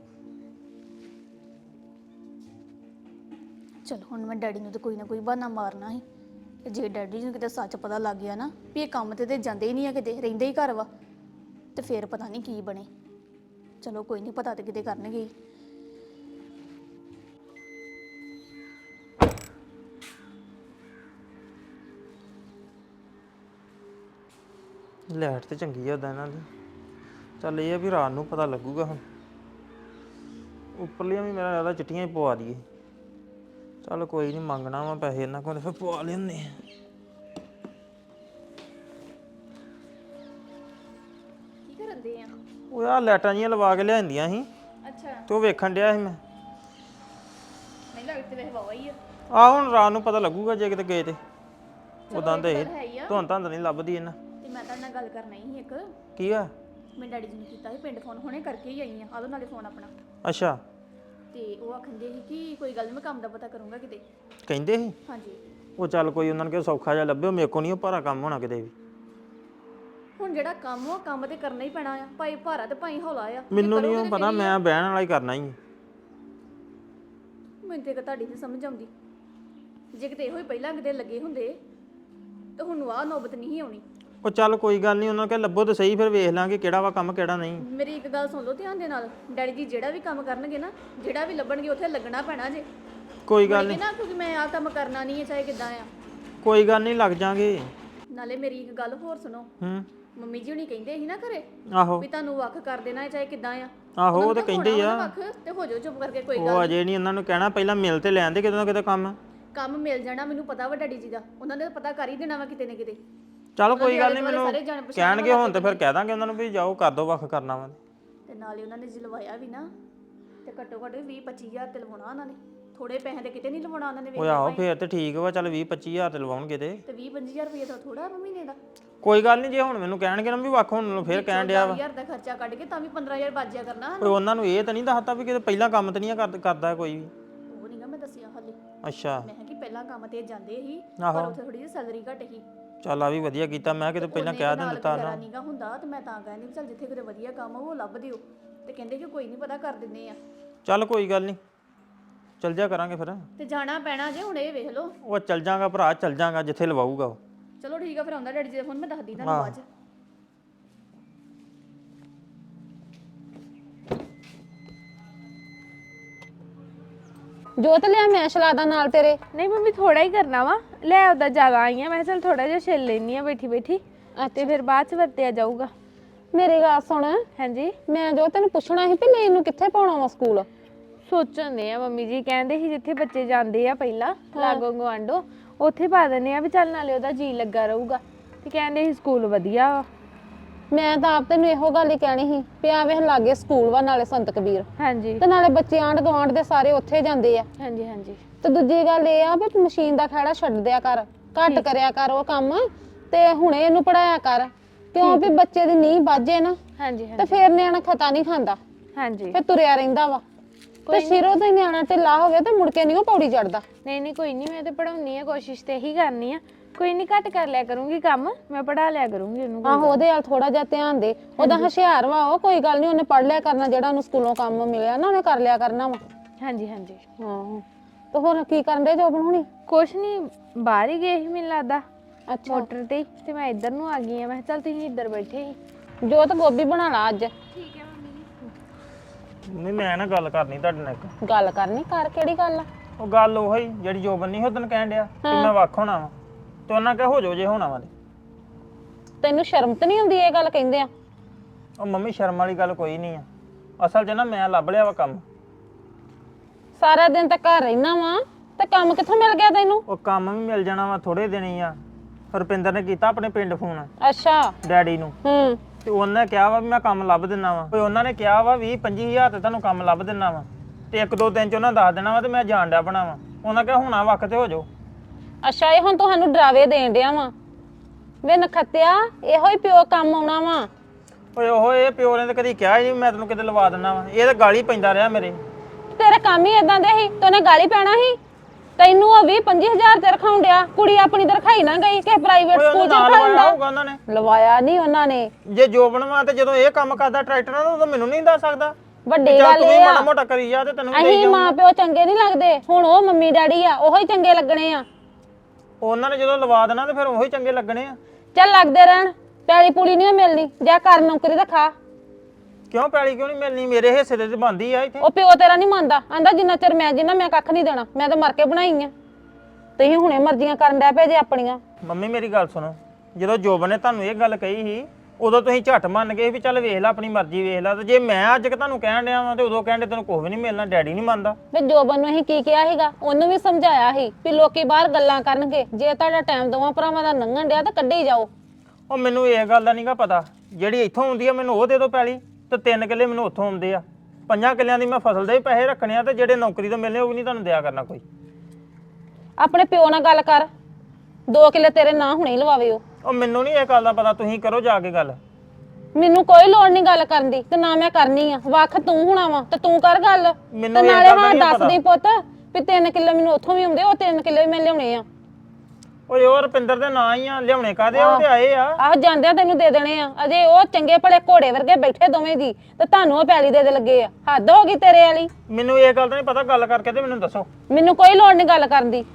S3: ਚਲੋ ਹੁਣ ਮੈਂ ਡੈਡੀ ਨੂੰ ਤਾਂ ਕੋਈ ਨਾ ਕੋਈ ਬਹਾਨਾ ਮਾਰਨਾ ਸੀ। ਤੇ ਜੇ ਡੈਡੀ ਨੂੰ ਕਿਤੇ ਸੱਚ ਪਤਾ ਲੱਗ ਗਿਆ ਨਾ ਵੀ ਇਹ ਕੰਮ ਤੇ ਜਾਂਦੇ ਹੀ ਨਹੀਂ ਆ, ਕਿਤੇ ਰਹਿੰਦੇ ਹੀ ਘਰ ਵਾ, ਤੇ ਫੇਰ ਪਤਾ ਨਹੀਂ ਕੀ ਬਣੇ। ਚਲੋ ਕੋਈ ਨਹੀਂ, ਪਤਾ ਤੇ ਕਿਤੇ ਕਰਨਗੇ ਹੀ।
S1: ਲਾਈਟ ਤੇ ਚੰਗੀ ਆ ਉਦਾਂ ਇਹਨਾਂ ਦੀ। ਚੱਲ ਇਹ ਆ ਵੀ ਰਾਤ ਨੂੰ ਪਤਾ ਲੱਗੂਗਾ। ਹੁਣ ਉੱਪਰਲੀਆਂ ਵੀ ਮੇਰਾ ਲੱਗਦਾ ਚਿੱਟੀਆਂ ਹੀ ਪਵਾ ਦਈਏ। ਚੱਲ ਕੋਈ ਨਹੀਂ, ਮੰਗਣਾ ਵਾ ਪੈਸੇ ਇਹਨਾਂ ਕੋਲ, ਫਿਰ ਪਵਾ ਲੈਂਦੇ ਆ।
S3: ਕੀ ਕਰਨ ਦੇ ਆ?
S1: ਉਹ ਆ ਲਾਈਟਾਂ ਜੀਆਂ ਲਵਾ ਕੇ ਲਿਆਂਦੀਆਂ ਸੀ
S3: ਅੱਛਾ
S1: ਤੇ ਉਹ ਵੇਖਣ ਡਿਆ ਸੀ ਮੈਂ।
S3: ਨਹੀਂ ਲੱਗਦੇ ਵੈਸੇ ਵਾਵਾ ਹੀ ਆ।
S1: ਆਹ ਹੁਣ ਰਾਤ ਨੂੰ ਪਤਾ ਲੱਗੂਗਾ ਜੇ ਕਿਤੇ ਗਏ ਤੇ। ਉਦਾਂ ਤੇ
S3: ਹੈ ਹੀ ਆ।
S1: ਤੁਹਾਨੂੰ ਤਾਂ ਨਹੀਂ ਲੱਭਦੀ ਇਹਨਾਂ।
S3: ਤੇ ਮੈਂ ਤੁਹਾਡੇ ਨਾਲ ਗੱਲ ਕਰਨਾ ਹੀ ਇੱਕ।
S1: ਕੀ ਆ?
S3: ਮੈਂ ਡੈਡੀ ਜੀ ਨੂੰ ਕੀਤਾ ਸੀ ਪਿੰਡ ਫੋਨ, ਹੁਣੇ ਕਰਕੇ ਹੀ ਆਈ ਆ। ਆਲੋ ਨਾਲੇ ਫੋਨ ਆਪਣਾ।
S1: ਅੱਛਾ
S3: ਤੇ ਉਹ ਆਖੰਦੇ ਸੀ ਕਿ ਕੋਈ ਗੱਲ ਨੀ, ਮੈਂ ਕੰਮ ਦਾ ਪਤਾ ਕਰੂੰਗਾ ਕਿਤੇ।
S1: ਕਹਿੰਦੇ ਸੀ?
S3: ਹਾਂਜੀ
S1: ਉਹ ਚੱਲ ਕੋਈ ਉਹਨਾਂ ਨੂੰ ਕਿਹਾ ਸੌਖਾ ਜਿਹਾ ਲੱਭਿਓ, ਮੇਰੇ ਕੋਲ ਨਹੀਂ ਉਹ ਭਾਰਾ ਕੰਮ ਹੋਣਾ ਕਿਤੇ ਵੀ।
S3: ਹੁਣ ਜਿਹੜਾ ਕੰਮ ਉਹ ਕੰਮ ਤੇ ਕਰਨਾ ਹੀ ਪੈਣਾ ਆ, ਭਾਈ ਭਾਰਾ ਤੇ ਭਾਈ ਹੌਲਾ ਆ।
S1: ਮੈਨੂੰ ਨਹੀਂ ਉਹ ਪਤਾ, ਮੈਂ ਬਹਿਣ ਵਾਲਾ ਹੀ ਕਰਨਾ ਹੀ।
S3: ਮੈਨੂੰ ਤੇ ਤੁਹਾਡੀ ਨਹੀਂ ਸਮਝ ਆਉਂਦੀ। ਜੇ ਕਿਤੇ ਇਹੋ ਹੀ ਪਹਿਲਾਂ ਕਿਤੇ ਲੱਗੇ ਹੁੰਦੇ ਤਾਂ ਹੁਣ ਆਹ ਨੌਬਤ ਨਹੀਂ ਆਉਣੀ।
S1: ਉਹ ਚੱਲ ਕੋਈ ਗੱਲ ਨਹੀਂ, ਉਹਨਾਂ ਨੂੰ ਕਿਹਾ ਲੱਭੋ ਤੇ ਸਹੀ, ਫਿਰ ਵੇਖ ਲਾਂਗੇ ਕਿਹੜਾ ਵਾ ਕੰਮ ਕਿਹੜਾ ਨਹੀਂ।
S3: ਮੇਰੀ ਇੱਕ ਗੱਲ ਸੁਣ ਲਓ ਧਿਆਨ ਦੇ ਨਾਲ। ਡੈਡੀ ਜੀ ਜਿਹੜਾ ਵੀ ਕੰਮ ਕਰਨਗੇ ਨਾ, ਜਿਹੜਾ ਵੀ ਲੱਭਣਗੇ ਉੱਥੇ ਲੱਗਣਾ ਪੈਣਾ ਜੇ।
S1: ਕੋਈ ਗੱਲ ਨਹੀਂ
S3: ਨਾ ਕਿਉਂਕਿ ਮੈਂ ਆਹ ਕੰਮ ਕਰਨਾ ਨਹੀਂ ਹੈ, ਚਾਹੇ ਕਿੱਦਾਂ ਆ।
S1: ਕੋਈ ਗੱਲ ਨਹੀਂ, ਲੱਗ ਜਾਾਂਗੇ।
S3: ਨਾਲੇ ਮੇਰੀ ਇੱਕ ਗੱਲ ਹੋਰ ਸੁਣੋ। ਮੰਮੀ ਜੀ ਹੁਣੀ ਕਹਿੰਦੇ ਸੀ ਨਾ ਘਰੇ
S1: ਆਹੋ
S3: ਵੀ ਤੁਹਾਨੂੰ ਵੱਖ ਕਰ ਦੇਣਾ ਹੈ, ਚਾਹੇ ਕਿੱਦਾਂ ਆ।
S1: ਆਹੋ ਉਹ ਤਾਂ ਕਹਿੰਦੇ ਆ।
S3: ਵੱਖ ਤੇ ਹੋ ਜਾਓ ਚੁੱਪ ਕਰਕੇ, ਕੋਈ
S1: ਉਹ
S3: ਗੱਲ
S1: ਅਜੇ ਨਹੀਂ, ਉਹਨਾਂ ਨੂੰ ਕਹਿਣਾ ਪਹਿਲਾਂ ਮਿਲ ਤੇ ਲੈਣ ਦੇ ਕਿਤੇ ਨਾ ਕਿਤੇ ਕੰਮ।
S3: ਕੰਮ ਮਿਲ ਜਾਣਾ, ਮੈਨੂੰ ਪਤਾ ਵਾ ਡੈਡੀ ਜੀ ਦਾ। ਉਹਨਾਂ ਨੇ ਪਤਾ ਕਰ ਹੀ ਦੇਣਾ ਵਾ ਕਿਤੇ ਨਾ ਕਿਤੇ।
S1: ਚਲੋ ਕੋਈ ਗੱਲ ਨਹੀਂ, ਮੈਨੂੰ ਕਹਿਣਗੇ ਹੁਣ ਤੇ ਫਿਰ ਕਹਿ ਦਾਂਗੇ ਉਹਨਾਂ ਨੂੰ ਵੀ ਜਾਓ ਕਰ ਦੋ, ਵੱਖ ਕਰਨਾ ਵਾ।
S3: ਤੇ ਨਾਲੇ ਉਹਨਾਂ ਨੇ ਜਲਵਾਇਆ ਵੀ ਨਾ, ਤੇ ਘੱਟੋ ਘੱਟ 20-25,000 ਤੇ ਲਵਾਉਣਾ ਉਹਨਾਂ ਨੇ। ਥੋੜੇ ਪੈਸੇ ਤੇ ਕਿਤੇ ਨਹੀਂ ਲਵਾਉਣਾ ਉਹਨਾਂ ਨੇ।
S1: ਉਹ ਆਹੋ ਫੇਰ ਤੇ ਠੀਕ ਵਾ, ਚੱਲ 20-25,000 ਤੇ ਲਵਾਉਣਗੇ ਤੇ
S3: 20-25,000 ਰੁਪਏ ਤਾਂ ਥੋੜਾ ਮਹੀਨੇ ਦਾ।
S1: ਕੋਈ ਗੱਲ ਨਹੀਂ, ਜੇ ਹੁਣ ਮੈਨੂੰ ਕਹਿਣਗੇ ਨਾ ਵੀ ਵੱਖ ਹੋਣ ਨੂੰ, ਫੇਰ ਕਹਿਣ ਡਿਆ ਵਾ।
S3: 10,000 ਦਾ ਖਰਚਾ ਕੱਢ ਕੇ ਤਾਂ ਵੀ 15,000 ਬਾਜਿਆ ਕਰਨਾ।
S1: ਕੋਈ ਉਹਨਾਂ ਨੂੰ ਇਹ ਤਾਂ ਨਹੀਂ ਦੱਸਤਾ ਵੀ ਕਿਤੇ ਪਹਿਲਾਂ ਕੰਮ ਤੇ ਨਹੀਂ ਕਰਦਾ ਕੋਈ ਵੀ।
S3: ਉਹ ਨਹੀਂਗਾ ਮੈਂ ਦੱਸਿਆ ਹਾਲੇ।
S1: ਅੱਛਾ
S3: ਮੈਂ ਕਿਹਾ ਕਿ ਪਹਿਲਾਂ ਕੰਮ ਤੇ ਜਾਂਦੇ ਸੀ, ਪਰ ਉੱਥੇ ਥੋੜੀ ਜਿਹੀ ਸੈਲਰੀ ਘੱਟ ਸੀ।
S1: ਚੱਲ ਆ ਵੀ ਵਧੀਆ ਕੀਤਾ, ਮੈਂ ਕਿਤੇ ਪਹਿਲਾਂ ਕਹਿ ਦਿੰਦਾ ਨਾ।
S3: ਨਹੀਂਗਾ ਹੁੰਦਾ ਤੇ ਮੈਂ ਤਾਂ ਕਹਿੰਦੀ ਵੀ ਚੱਲ ਜਿੱਥੇ ਕਿਤੇ ਵਧੀਆ ਕੰਮ ਉਹ ਲੱਭ ਦਿਓ। ਤੇ ਕਹਿੰਦੇ ਕਿ ਕੋਈ ਨਹੀਂ, ਪਤਾ ਕਰ ਦਿੰਦੇ ਆ।
S1: ਚੱਲ ਕੋਈ ਗੱਲ ਨਹੀਂ, ਚੱਲ ਜਾ ਕਰਾਂਗੇ ਫਿਰ।
S3: ਤੇ ਜਾਣਾ ਪੈਣਾ ਜੇ, ਹੁਣ ਇਹ ਵੇਖ ਲਓ।
S1: ਉਹ ਚੱਲ ਜਾਗਾ ਭਰਾ, ਚੱਲ ਜਾਗਾ ਜਿੱਥੇ ਲਵਾਊਗਾ ਉਹ।
S3: ਚਲੋ ਠੀਕ ਆ, ਫਿਰ ਆਉਂਦਾ ਡੈਡੀ ਜੀ ਦਾ ਫੋਨ, ਮੈਂ ਦੱਸਦੀ ਤੁਹਾਨੂੰ ਬਾਅਦ ਚ।
S4: ਜੋਤ ਲਿਆ ਮੈਂ ਸ਼ਲਾਦਾ ਨਾਲ ਤੇਰੇ।
S5: ਨਹੀਂ ਮੰਮੀ ਥੋੜਾ ਹੀ ਕਰਨਾ ਵਾ, ਲੈ ਉਹਦਾ ਜ਼ਿਆਦਾ ਆਈ ਆ, ਮੈਂ ਚਲ ਥੋੜਾ ਜਿਹਾ ਛਿੱਲ ਲੈਣੀ ਆ ਬੈਠੀ ਬੈਠੀ, ਤੇ ਫਿਰ ਬਾਅਦ ਚ ਵਰਤਿਆ ਜਾਊਗਾ।
S4: ਮੇਰੀ ਗੱਲ ਸੁਣ।
S5: ਹਾਂਜੀ
S4: ਮੈਂ ਜੋ ਤੈਨੂੰ ਪੁੱਛਣਾ ਸੀ ਵੀ ਇਹਨੂੰ ਕਿੱਥੇ ਪਾਉਣਾ ਵਾ ਸਕੂਲ?
S5: ਸੋਚਣ ਦੇ ਆ ਮੰਮੀ ਜੀ, ਕਹਿੰਦੇ ਸੀ ਜਿੱਥੇ ਬੱਚੇ ਜਾਂਦੇ ਆ ਪਹਿਲਾਂ ਲਾਗੋ ਗਵਾਂਢੋ ਉੱਥੇ ਪਾ ਦਿੰਦੇ ਆ ਵੀ ਚੱਲ ਨਾਲੇ ਉਹਦਾ ਜੀ ਲੱਗਾ ਰਹੂਗਾ। ਤੇ ਕਹਿੰਦੇ ਸੀ ਸਕੂਲ ਵਧੀਆ ਵਾ।
S4: ਮੈਂ ਤਾਂ ਆਪ ਤੈਨੂੰ ਇਹੋ ਗੱਲ ਹੀ ਕਹਿਣੀ ਸੀ ਵੀ ਆ ਵੇਖ ਲਾਗੇ ਸਕੂਲ ਵਾ, ਨਾਲੇ ਸੰਤ ਕਬੀਰ,
S5: ਹਾਂਜੀ
S4: ਤੇ ਨਾਲੇ ਬੱਚੇ ਆਂਢ ਗੁਆਂਢ ਦੇ ਸਾਰੇ ਉੱਥੇ ਜਾਂਦੇ ਆ।
S5: ਹਾਂਜੀ ਹਾਂਜੀ
S4: ਤੇ ਦੂਜੀ ਗੱਲ ਇਹ ਆ ਵੀ ਮਸ਼ੀਨ ਦਾ ਖਹਿੜਾ ਛੱਡ ਦਿਆ ਕਰ, ਘੱਟ ਕਰਿਆ ਕਰ ਉਹ ਕੰਮ, ਤੇ ਹੁਣੇ ਇਹਨੂੰ ਪੜਾਇਆ ਕਰ, ਕਿਉਂ ਵੀ ਬੱਚੇ ਦੀ ਨੀਂਹ ਵੱਜੇ ਨਾ
S5: ਹਾਂਜੀ
S4: ਤੇ
S5: ਹਾਂਜੀ
S4: ਫੇਰ ਨਿਆਣਾ ਖਤਾ ਨਹੀਂ ਖਾਂਦਾ,
S5: ਹਾਂਜੀ
S4: ਫੇਰ ਤੁਰਿਆ ਰਹਿੰਦਾ ਵਾ। ਤੇ ਸ਼ਿਰੋ ਤੋਂ ਹੀ ਨਿਆਣਾ ਢਿੱਲਾ ਹੋ ਗਿਆ ਤੇ ਮੁੜ ਕੇ ਨਹੀਂ ਉਹ ਪੌੜੀ ਚੜਦਾ।
S5: ਨਹੀਂ ਨਹੀਂ ਕੋਈ ਨਹੀਂ, ਮੈਂ ਤੇ ਪੜਾਉਣੀ ਆ, ਕੋਸ਼ਿਸ਼ ਤੇ ਇਹੀ ਕਰਨੀ ਆ। ਕੋਈ ਨਹੀਂ, ਘੱਟ ਕਰ ਲਿਆ ਕਰੂੰਗੀ ਕੰਮ, ਮੈਂ ਪੜਾ ਲਿਆ ਕਰੂੰਗੀ ਉਹਨੂੰ।
S4: ਆਹੋ ਉਹਦੇ ਵੱਲ ਥੋੜਾ ਜਿਹਾ ਧਿਆਨ ਦੇ। ਉਹਦਾ ਹੁਸ਼ਿਆਰ ਵਾ ਉਹ, ਕੋਈ ਗੱਲ ਨਹੀਂ, ਉਹਨੇ ਪੜ ਲਿਆ ਕਰਨਾ, ਜਿਹੜਾ ਉਹਨੂੰ ਸਕੂਲੋਂ ਕੰਮ ਮਿਲਿਆ ਨਾ ਉਹਨੇ ਕਰ ਲਿਆ ਕਰਨਾ ਵਾ।
S5: ਹਾਂਜੀ ਹਾਂਜੀ।
S4: ਆਹੋ ਤੇ ਹੋਰ ਕੀ ਕਰਨ ਦੇ ਜੋਬਨ ਹੁਣੀ?
S5: ਕੁਛ ਨਹੀਂ, ਬਾਹਰ ਹੀ ਗਏ ਸੀ ਮੈਨੂੰ ਲੱਗਦਾ
S4: ਅੱਛਾ
S5: ਮੋਟਰ ਤੇ ਤੇ ਮੈਂ ਇੱਧਰ ਨੂੰ ਆ ਗਈ ਆ। ਮੈਂ ਕਿਹਾ ਚੱਲ ਤੁਸੀਂ ਇੱਧਰ ਬੈਠੇ ਸੀ।
S4: ਜੋਤ ਗੋਭੀ ਬਣਾ ਲਾ ਅੱਜ।
S1: ਨਹੀਂ ਮੈਂ ਨਾ ਗੱਲ ਕਰਨੀ ਤੁਹਾਡੇ ਨਾਲ ਇੱਕ।
S4: ਗੱਲ ਕਰਨੀ ਕਰ, ਕਿਹੜੀ ਗੱਲ ਆ?
S1: ਉਹ ਗੱਲ ਉਹੀ ਜਿਹੜੀ ਜੋਬਨ ਨਹੀਂ ਉਦੋਂ ਕਹਿਣ ਡਿਆ ਕਿ ਮੈਂ ਵੱਖ ਹੋਣਾ ਵਾ, ਤੇ ਉਹਨਾਂ ਕਹੇ ਹੋ ਜਾਓ ਜੇ ਹੋਣਾ ਵਾ ਤੇ।
S4: ਤੈਨੂੰ ਸ਼ਰਮ ਤਾਂ ਨਹੀਂ ਆਉਂਦੀ ਇਹ ਗੱਲ ਕਹਿੰਦੇ ਆ?
S1: ਉਹ ਮੰਮੀ ਸ਼ਰਮ ਵਾਲੀ ਗੱਲ ਕੋਈ ਨਹੀਂ ਆ, ਅਸਲ 'ਚ ਨਾ ਮੈਂ ਲੱਭ ਲਿਆ ਵਾ ਕੰਮ।
S4: ਸਾਰਾ ਦਿਨ ਤਾਂ ਘਰ ਰਹਿਣਾ ਵਾ ਤੇ ਕੰਮ ਕਿੱਥੋਂ ਮਿਲ ਗਿਆ ਤੈਨੂੰ?
S1: ਉਹ ਕੰਮ ਵੀ ਮਿਲ ਜਾਣਾ ਵਾ, ਥੋੜੇ ਦਿਨ ਹੀ ਆ। ਰੁਪਿੰਦਰ ਨੇ ਕੀਤਾ ਆਪਣੇ ਪਿੰਡ ਫੋਨ
S4: ਅੱਛਾ।
S1: ਡੈਡੀ ਨੂੰ,
S4: ਹੂੰ।
S1: ਤੇ ਉਹਨੇ ਕਿਹਾ ਵਾ ਵੀ ਮੈਂ ਕੰਮ ਲੱਭ ਦਿੰਨਾ ਵਾ। ਕੋਈ ਉਹਨਾਂ ਨੇ ਕਿਹਾ ਵਾ 20-25 ਹਜ਼ਾਰ ਤੇ ਤੁਹਾਨੂੰ ਕੰਮ ਲੱਭ ਦਿੰਨਾ ਵਾ, ਤੇ 1-2 ਦਿਨ 'ਚ ਉਹਨਾਂ ਦੱਸ ਦੇਣਾ ਵਾ, ਤੇ ਮੈਂ ਜਾਣ ਡਿਆ ਬਣਾ ਵਾ। ਉਹਨਾਂ ਕਿਹਾ ਹੋਣਾ ਵਕਤ ਤੇ ਹੋ ਜਾਓ।
S4: ਅੱਛਾ, ਇਹ ਹੁਣ ਤੁਹਾਨੂੰ ਡਰਾਵੇ ਦੇਣ ਡਿਆ ਵਾ? ਵੇ ਨਖੱਤਿਆ, ਇਹੋ ਹੀ ਪਿਓ ਕੰਮ ਆਉਣਾ ਵਾ।
S1: ਓਏ ਉਹ ਇਹ ਪਿਓ ਨੇ ਤਾਂ ਕਦੀ ਕਿਹਾ ਹੀ ਨਹੀਂ ਮੈਂ ਤੈਨੂੰ ਕਿਤੇ ਲਵਾ ਦਿੰਨਾ ਵਾ। ਇਹ ਤਾਂ ਗਾਲੀ ਪੈਂਦਾ ਰਿਹਾ ਮੇਰੇ।
S4: ਤੇਰਾ ਕੰਮ ਹੀ ਇਦਾਂ ਦੇ ਸੀ ਤੇ ਉਹਨੇ ਗਾਲੀ ਪੈਣਾ ਸੀ? ਤੈਨੂੰ ਉਹ 20-25 ਹਜ਼ਾਰ ਤੇ ਰਖਾਉਣ ਡਿਆ, ਕੁੜੀ ਆਪਣੀ ਤੇ ਰਖਾਈ ਨਾ ਗਈ ਕਿ ਪ੍ਰਾਈਵੇਟ ਸਕੂਲ ਚ
S1: ਨਾਲ
S4: ਰਖਾਉਂਦਾ
S1: ਹੋਊਗਾ ਉਹਨਾਂ ਨੇ।
S4: ਲਵਾਇਆ ਨਹੀਂ ਉਹਨਾਂ ਨੇ।
S1: ਜੇ ਜੋਬਨ ਵਾ ਤੇ ਜਦੋਂ ਇਹ ਕੰਮ ਕਰਦਾ ਟਰੈਕਟਰਾਂ ਦਾ, ਉਦੋਂ ਮੈਨੂੰ ਨਹੀਂ ਦੱਸ ਸਕਦਾ।
S4: ਵੱਡੀ
S1: ਚੱਲ
S4: ਗੱਲ
S1: ਤੂੰ ਵੀ
S4: ਇਹ
S1: ਮਾੜਾ
S4: ਆ,
S1: ਮੋਟਾ ਕਰੀ ਜਾ ਤੇ ਤੈਨੂੰ ਵੀ ਦੇਈ
S4: ਅਸੀਂ
S1: ਜਾਊਂ।
S4: ਮਾਂ ਪਿਓ ਚੰਗੇ ਨਹੀਂ ਲੱਗਦੇ, ਹੁਣ ਉਹ ਮੰਮੀ ਡੈਡੀ ਆ, ਉਹੋ ਹੀ ਚੰਗੇ ਲੱਗਣੇ ਆ।
S1: ਉਹਨਾਂ ਨੇ ਜਦੋਂ ਲਵਾ ਦੇਣਾ ਤੇ ਫਿਰ ਉਹੀ ਚੰਗੇ ਲੱਗਣੇ ਆ।
S4: ਚੱਲ ਲੱਗਦੇ ਰਹਿਣ, ਪੈਲੀ ਪੂਲੀ ਨਹੀਂ ਮਿਲਣੀ, ਜਾ ਕਰ ਨੌਕਰੀ ਤਾਂ ਖਾ।
S1: ਕਿਉਂ ਪੈਲੀ ਕਿਉਂ ਨਹੀਂ ਮਿਲਣੀ? ਮੇਰੇ ਹਿੱਸੇ ਤੇ ਬਣਦੀ ਆ ਇੱਥੇ।
S4: ਉਹ ਪਿਓ ਤੇਰਾ ਨਹੀਂ ਮੰਨਦਾ, ਆਂਦਾ ਜਿੰਨਾ ਚਿਰ ਮੈਂ ਜਿੰਨਾ ਮੈਂ ਕੱਖ ਨਹੀਂ ਦੇਣਾ, ਮੈਂ ਤਾਂ ਮਰ ਕੇ ਬਣਾਈ ਆ। ਤੁਸੀਂ ਹੁਣੇ ਮਰਜ਼ੀਆਂ ਕਰਨ ਡੈ ਪਏ ਜੇ ਆਪਣੀਆਂ।
S1: ਮੰਮੀ ਮੇਰੀ ਗੱਲ ਸੁਣੋ, ਜਦੋਂ ਜੋਬਨ ਨੇ ਤੁਹਾਨੂੰ ਇਹ ਗੱਲ ਕਹੀ ਸੀ ਉਦੋਂ ਤੁਸੀਂ ਝੱਟ ਮੰਨ ਗਏ ਵੀ ਚੱਲ ਵੇਖ ਲੈ, ਆਪਣੀ ਮਰਜ਼ੀ ਵੇਖ ਲੈ। ਤੇ ਜੇ ਮੈਂ ਅੱਜ ਤੁਹਾਨੂੰ ਕਹਿਣ ਡਿਆ ਵਾਂ ਤੇ ਉਦੋਂ ਕਹਿੰਦੇ ਤੈਨੂੰ ਕੁਝ ਵੀ ਨਹੀਂ ਮਿਲਣਾ, ਡੈਡੀ ਨਹੀਂ ਮੰਨਦਾ।
S4: ਵੇ ਜੋਬਨ ਨੂੰ ਅਸੀਂ ਕੀ ਕਿਹਾ ਸੀਗਾ? ਉਹਨੂੰ ਵੀ ਸਮਝਾਇਆ ਸੀ ਵੀ ਲੋਕੀ ਬਾਹਰ ਗੱਲਾਂ ਕਰਨਗੇ, ਜੇ ਤੁਹਾਡਾ ਟਾਈਮ ਦੋਵਾਂ ਭਰਾਵਾਂ ਦਾ ਲੰਘਣ ਡਿਆ ਤਾਂ ਕੱਢੀ ਜਾਓ।
S1: ਉਹ ਮੈਨੂੰ ਇਹ ਗੱਲ ਦਾ ਨਹੀਂਗਾ ਪਤਾ, ਜਿਹੜੀ ਇੱਥੋਂ ਆਉਂਦੀ ਆ ਮੈਨੂੰ ਉਹ ਦੇ ਦਿਓ ਪੈਲੀ, ਤੇ 3 ਕਿੱਲੇ ਮੈਨੂੰ ਉੱਥੋਂ ਆਉਂਦੇ ਆ। 5 ਕਿੱਲਿਆਂ ਦੀ ਮੈਂ ਫਸਲ ਦੇ ਵੀ ਪੈਸੇ ਰੱਖਣੇ ਆ, ਤੇ ਜਿਹੜੇ ਨੌਕਰੀ ਤੋਂ ਮਿਲਨੇ ਉਹ ਵੀ ਨਹੀਂ ਤੁਹਾਨੂੰ ਦਿਆ ਕਰਨਾ ਕੋਈ।
S4: ਆਪਣੇ ਪਿਓ ਨਾਲ ਗੱਲ ਕਰ, 2 ਕਿੱਲੇ ਤੇਰੇ ਨਾਂ ਹੁਣੇ ਹੀ ਲਵਾਵੇ ਉਹ।
S1: ਉਹ ਮੈਨੂੰ ਨਹੀਂ ਇਹ ਗੱਲ ਦਾ ਪਤਾ, ਤੁਸੀਂ ਕਰੋ ਜਾ ਕੇ ਗੱਲ।
S4: ਮੈਨੂੰ ਕੋਈ ਲੋੜ ਨਹੀਂ ਗੱਲ ਕਰਨ ਦੀ, ਤੇ ਨਾ ਮੈਂ ਕਰਨੀ ਆ। ਵੱਖ ਤੂੰ ਹੋਣਾ ਵਾ ਤੇ ਤੂੰ ਕਰ ਗੱਲ।
S1: ਮੈਨੂੰ
S4: ਤੇ
S1: ਇਹ
S4: ਨਾਲੇ
S1: ਗੱਲ ਦਾ
S4: ਹਾਂ
S1: ਨਹੀਂ
S4: ਦੱਸ
S1: ਪਤਾ।
S4: ਦੀ ਪੁੱਤ ਵੀ 3 ਕਿੱਲੇ ਮੈਨੂੰ ਉੱਥੋਂ ਵੀ ਆਉਂਦੇ, ਉਹ 3 ਕਿੱਲੇ ਵੀ ਮੈਂ ਲਿਆਉਣੇ ਆ।
S1: ਓਏ ਉਹ ਰੁਪਿੰਦਰ ਦੇ ਨਾਂ ਹੀ ਆ, ਲਿਆਉਣੇ ਕਾਦੇ ਆ? ਉਹ ਤੇ ਆਏ ਆ।
S4: ਆਹ ਜਾਂਦਿਆਂ ਤੈਨੂੰ ਦੇ ਦੇਣੇ ਆ। ਅਜੇ ਉਹ ਚੰਗੇ ਭਲੇ ਘੋੜੇ ਵਰਗੇ ਬੈਠੇ ਦੋਵੇਂ ਦੀ, ਤੇ ਤੁਹਾਨੂੰ ਉਹ ਪੈਲੀ ਦੇ ਲੱਗੇ ਆ। ਹੱਦ ਹੋ ਗਈ ਤੇਰੇ ਵਾਲੀ।
S1: ਮੈਨੂੰ ਇਹ ਗੱਲ ਦਾ ਨਹੀਂ ਪਤਾ, ਗੱਲ ਕਰਕੇ ਤੇ ਮੈਨੂੰ ਦੱਸੋ।
S4: ਮੈਨੂੰ ਕੋਈ ਲੋੜ ਨਹੀਂ ਗੱਲ ਕਰਨ ਦੀ।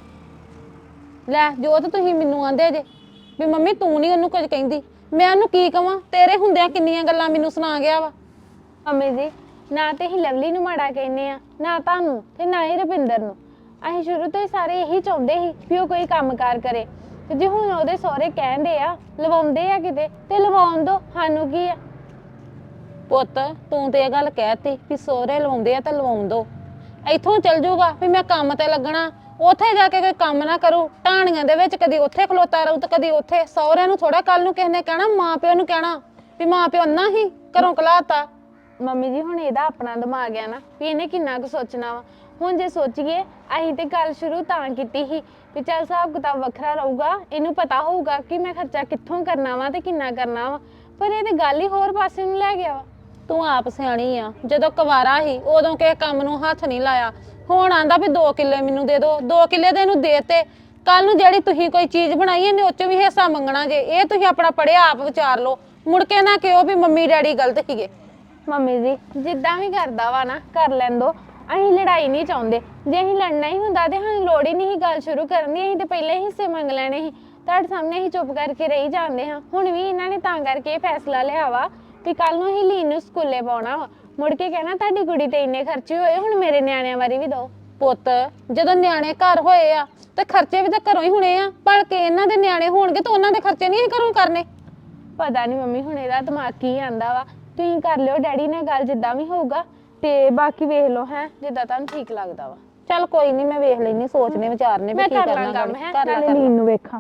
S4: ਲੈ ਜੋ ਤਾਂ ਤੁਸੀਂ ਮੈਨੂੰ ਆਂਦੇ ਜੇ ਵੀ ਮੰਮੀ ਤੂੰ ਨਹੀਂ ਉਹਨੂੰ ਕੁਝ ਕਹਿੰਦੀ, ਮੈਂ ਉਹਨੂੰ ਕੀ ਕਵਾਂ? ਤੇਰੇ ਹੁੰਦਿਆਂ ਕਿੰਨੀਆਂ ਗੱਲਾਂ ਮੈਨੂੰ ਸੁਣਾ ਗਿਆ ਵਾ।
S5: ਮੰਮੀ ਜੀ, ਨਾ ਤੇ ਅਸੀਂ ਲਵਲੀ ਨੂੰ ਮਾੜਾ ਕਹਿੰਦੇ ਆ, ਨਾ ਤੁਹਾਨੂੰ, ਤੇ ਨਾ ਹੀ ਰੁਪਿੰਦਰ ਨੂੰ। ਅਸੀਂ ਸ਼ੁਰੂ ਤੋਂ ਹੀ ਸਾਰੇ ਇਹੀ ਚਾਹੁੰਦੇ ਸੀ ਵੀ ਉਹ ਕੋਈ ਕੰਮਕਾਰ ਕਰੇ, ਤੇ ਜੇ ਹੁਣ ਉਹਦੇ ਸਹੁਰੇ ਕਹਿੰਦੇ ਆ ਲਵਾਉਂਦੇ ਆ ਕਿਤੇ, ਤੇ ਲਵਾਉਣ ਦੋ, ਸਾਨੂੰ ਕੀ ਆ।
S4: ਪੁੱਤ ਤੂੰ ਤੇ ਇਹ ਗੱਲ ਕਹਿਤੀ ਵੀ ਸਹੁਰੇ ਲਵਾਉਂਦੇ ਆ ਤਾਂ ਲਵਾਉਣ ਦੋ। ਇੱਥੋਂ ਚੱਲ ਜੂਗਾ ਵੀ ਮੈਂ ਕੰਮ ਤੇ ਲੱਗਣਾ, ਉੱਥੇ ਜਾ ਕੇ ਕੋਈ ਕੰਮ ਨਾ ਕਰੂ, ਢਾਣੀਆਂ ਦੇ ਵਿੱਚ ਕਦੀ ਉੱਥੇ ਖਲੋਤਾ ਰਹੂ ਤੇ ਕਦੀ ਉੱਥੇ। ਸਹੁਰਿਆਂ ਨੂੰ ਥੋੜਾ ਕੱਲ ਨੂੰ ਕਿਸੇ ਨੇ ਕਹਿਣਾ, ਮਾਂ ਪਿਓ ਨੂੰ ਕਹਿਣਾ ਵੀ ਮਾਂ ਪਿਓ ਨਾ ਹੀ ਘਰੋਂ ਕਲਾਤਾ।
S5: ਮੰਮੀ ਜੀ ਹੁਣ ਇਹਦਾ ਆਪਣਾ ਦਿਮਾਗ ਆ ਨਾ, ਵੀ ਇਹਨੇ ਕਿੰਨਾ ਕੁ ਸੋਚਣਾ ਵਾ। ਹੁਣ ਜੇ ਸੋਚੀਏ, ਅਸੀਂ ਤੇ ਗੱਲ ਸ਼ੁਰੂ ਤਾਂ ਕੀਤੀ ਸੀ ਵੀ ਚੱਲ ਹਿਸਾਬ ਕਿਤਾਬ ਵੱਖਰਾ ਰਹੂਗਾ, ਇਹਨੂੰ ਪਤਾ ਹੋਊਗਾ ਕਿ ਮੈਂ ਖਰਚਾ ਕਿੱਥੋਂ ਕਰਨਾ ਵਾ ਤੇ ਕਿੰਨਾ ਕਰਨਾ ਵਾ, ਪਰ ਇਹ ਤੇ ਗੱਲ ਹੀ ਹੋਰ ਪਾਸੇ ਨੂੰ ਲੈ ਗਿਆ ਵਾ।
S4: ਤੂੰ ਆਪ ਸਿਆਣੀ ਆ, ਜਦੋਂ ਕੁਵਾਰਾ ਸੀ ਉਦੋਂ ਕਿਸੇ ਕੰਮ ਨੂੰ ਹੱਥ ਨਹੀਂ ਲਾਇਆ। ਹੁਣ ਆਂਦਾ ਵੀ 2 ਕਿੱਲੇ ਮੈਨੂੰ ਦੇ ਦਿਓ, 2 ਕਿੱਲੇ ਤੇ ਇਹਨੂੰ ਦੇਤੇ। ਕੱਲ ਨੂੰ ਜਿਹੜੀ ਤੁਸੀਂ ਕੋਈ ਚੀਜ਼ ਬਣਾਈ ਇਹਨੇ ਉਹ 'ਚ ਵੀ ਹਿੱਸਾ ਮੰਗਣਾ ਜੇ। ਇਹ ਤੁਸੀਂ ਆਪਣਾ ਪੜਿਆ ਆਪ ਵਿਚਾਰ ਲਓ, ਮੁੜ ਕੇ ਨਾ ਕਿਹੋ ਵੀ ਮੰਮੀ ਡੈਡੀ ਗਲਤ ਸੀਗੇ।
S5: ਮੰਮੀ ਜੀ ਜਿੱਦਾਂ ਵੀ ਕਰਦਾ ਵਾ ਨਾ ਕਰ ਲੈਂਦੋ, ਅਸੀਂ ਲੜਾਈ ਨਹੀਂ ਚਾਹੁੰਦੇ। ਜੇ ਅਸੀਂ ਲੜਨਾ ਹੀ ਹੁੰਦਾ ਤੇ ਸਾਨੂੰ ਲੋੜ ਹੀ ਨਹੀਂ ਸੀ ਗੱਲ ਸ਼ੁਰੂ ਕਰਨ ਦੀ, ਅਸੀਂ ਤੇ ਪਹਿਲੇ ਹੀ ਹਿੱਸੇ ਮੰਗ ਲੈਣੇ ਸੀ। ਤੁਹਾਡੇ ਸਾਹਮਣੇ ਅਸੀਂ ਚੁੱਪ ਕਰਕੇ ਰਹੀ ਜਾਂਦੇ ਹਾਂ। ਹੁਣ ਵੀ ਇਹਨਾਂ ਨੇ ਤਾਂ ਕਰਕੇ ਇਹ ਫੈਸਲਾ ਲਿਆ ਵਾ ਵੀ ਕੱਲ ਨੂੰ ਅਸੀਂ ਲੀਨ ਨੂੰ ਸਕੂਲੇ ਪਾਉਣਾ ਵਾ, ਮੁੜ ਕੇ ਕਹਿਣਾ ਤੁਹਾਡੀ ਕੁੜੀ ਤੇ ਇੰਨੇ ਖਰਚੇ ਹੋਏ, ਹੁਣ ਮੇਰੇ ਨਿਆਣਿਆਂ ਬਾਰੇ ਵੀ ਦਿਓ।
S4: ਪੁੱਤ ਜਦੋਂ ਨਿਆਣੇ ਘਰ ਹੋਏ ਆ ਤੇ ਖਰਚੇ ਵੀ ਤਾਂ ਘਰੋਂ ਹੀ ਹੋਣੇ ਆ, ਭਲਕੇ ਇਹਨਾਂ ਦੇ ਨਿਆਣੇ ਹੋਣਗੇ ਤਾਂ ਉਹਨਾਂ ਦੇ ਖਰਚੇ ਨਹੀਂ ਘਰੋਂ ਕਰਨੇ।
S5: ਪਤਾ ਨਹੀਂ ਮੰਮੀ ਹੁਣ ਇਹਦਾ ਦਿਮਾਗ ਕੀ ਆਂਦਾ ਵਾ। ਤੁਸੀਂ ਕਰ ਲਿਓ ਡੈਡੀ ਨਾਲ ਗੱਲ ਜਿੱਦਾਂ ਵੀ ਹੋਊਗਾ, ਤੇ ਬਾਕੀ ਵੇਖ ਲਓ ਹੈ ਜਿੱਦਾਂ ਤੁਹਾਨੂੰ ਠੀਕ ਲੱਗਦਾ ਵਾ।
S4: ਚੱਲ ਕੋਈ ਨਹੀਂ, ਮੈਂ ਵੇਖ ਲੈਣੀ, ਸੋਚਨੇ ਵਿਚਾਰਨੇ ਵੀ
S5: ਮੈਂ
S4: ਕੀ
S5: ਕਰ
S4: ਕਰਨਾ
S5: ਲਾਂ ਕੰਮ ਹੈ,
S4: ਕਰ
S5: ਨਾਲੇ
S4: ਲਾ।
S5: ਲੀਨ ਨੂੰ ਵੇਖਾਂ।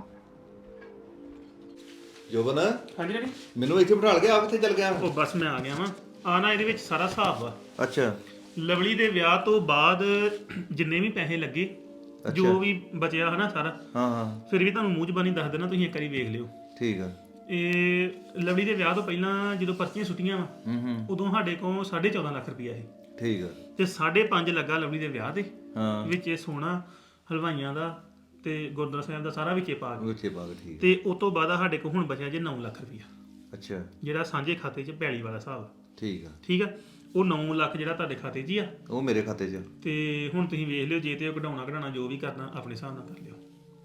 S2: ਜੋਬਨ
S1: ਹਾਂਜੀ ਡੈਡੀ।
S2: ਮੈਨੂੰ ਇੱਥੇ ਬਿਠਾ ਗਿਆ, ਆਪ ਕਿੱਥੇ ਚੱਲ ਗਿਆ?
S1: ਉਹ ਬਸ ਮੈਂ ਆ ਗਿਆ ਵਾਂ। ਆ ਨਾ ਇਹਦੇ ਵਿੱਚ ਸਾਰਾ ਹਿਸਾਬ ਵਾ।
S2: ਅੱਛਾ
S1: ਲਵਲੀ ਦੇ ਵਿਆਹ ਤੋਂ ਬਾਅਦ ਜਿੰਨੇ ਵੀ ਪੈਸੇ ਲੱਗੇ, ਜੋ ਵੀ ਬਚਿਆ ਹਨਾ ਸਾਰਾ,
S2: ਹਾਂ ਹਾਂ
S1: ਫਿਰ ਵੀ ਤੁਹਾਨੂੰ ਮੂੰਹ ਜ਼ਬਾਨੀ ਦੱਸ ਦੇਣਾ, ਤੁਸੀਂ ਇੱਕ ਵਾਰੀ ਵੇਖ ਲਿਓ।
S2: ਠੀਕ ਆ।
S1: ਇਹ ਲਵਲੀ ਦੇ ਵਿਆਹ ਤੋਂ ਪਹਿਲਾਂ ਜਦੋਂ ਪਰਚੀਆਂ ਸੁੱਟੀਆਂ ਵਾ ਉਦੋਂ ਸਾਡੇ ਕੋਲ 14.5 ਲੱਖ ਰੁਪਇਆ ਸੀ
S2: ਠੀਕ ਆ
S1: ਤੇ 5.5 ਲੱਗਾ ਲਵਲੀ ਦੇ ਵਿਆਹ ਦੇ
S2: ਹਾਂ
S1: ਵਿੱਚ ਇਹ ਸੋਨਾ ਹਲਵਾਈਆਂ ਦਾ ਤੇ ਗੁਰਦੁਆਰਾ ਸਾਹਿਬ ਦਾ ਸਾਰਾ ਵਿੱਚੇ ਪਾ ਕੇ
S2: ਉੱਚੇ ਬਾਗ ਠੀਕ
S1: ਤੇ ਉਸ ਤੋਂ ਬਾਅਦ ਸਾਡੇ ਕੋਲ ਹੁਣ ਬਚਿਆ ਜੇ 9 ਲੱਖ ਰੁਪਇਆ
S2: ਅੱਛਾ
S1: ਜਿਹੜਾ ਸਾਂਝੇ ਖਾਤੇ 'ਚ ਪੈਲੀ ਵਾਲਾ ਹਿਸਾਬ
S2: ਠੀਕ ਆ
S1: ਠੀਕ ਆ ਉਹ 9 ਲੱਖ ਜਿਹੜਾ ਤੁਹਾਡੇ ਖਾਤੇ 'ਚ ਹੀ ਆ
S2: ਉਹ ਮੇਰੇ ਖਾਤੇ 'ਚ
S1: ਤੇ ਹੁਣ ਤੁਸੀਂ ਵੇਖ ਲਿਓ ਜੇ ਤੇ ਉਹ ਕਢਾਉਣਾ ਜੋ ਵੀ ਕਰਨਾ ਆਪਣੇ ਹਿਸਾਬ ਨਾਲ ਕਰ ਲਿਓ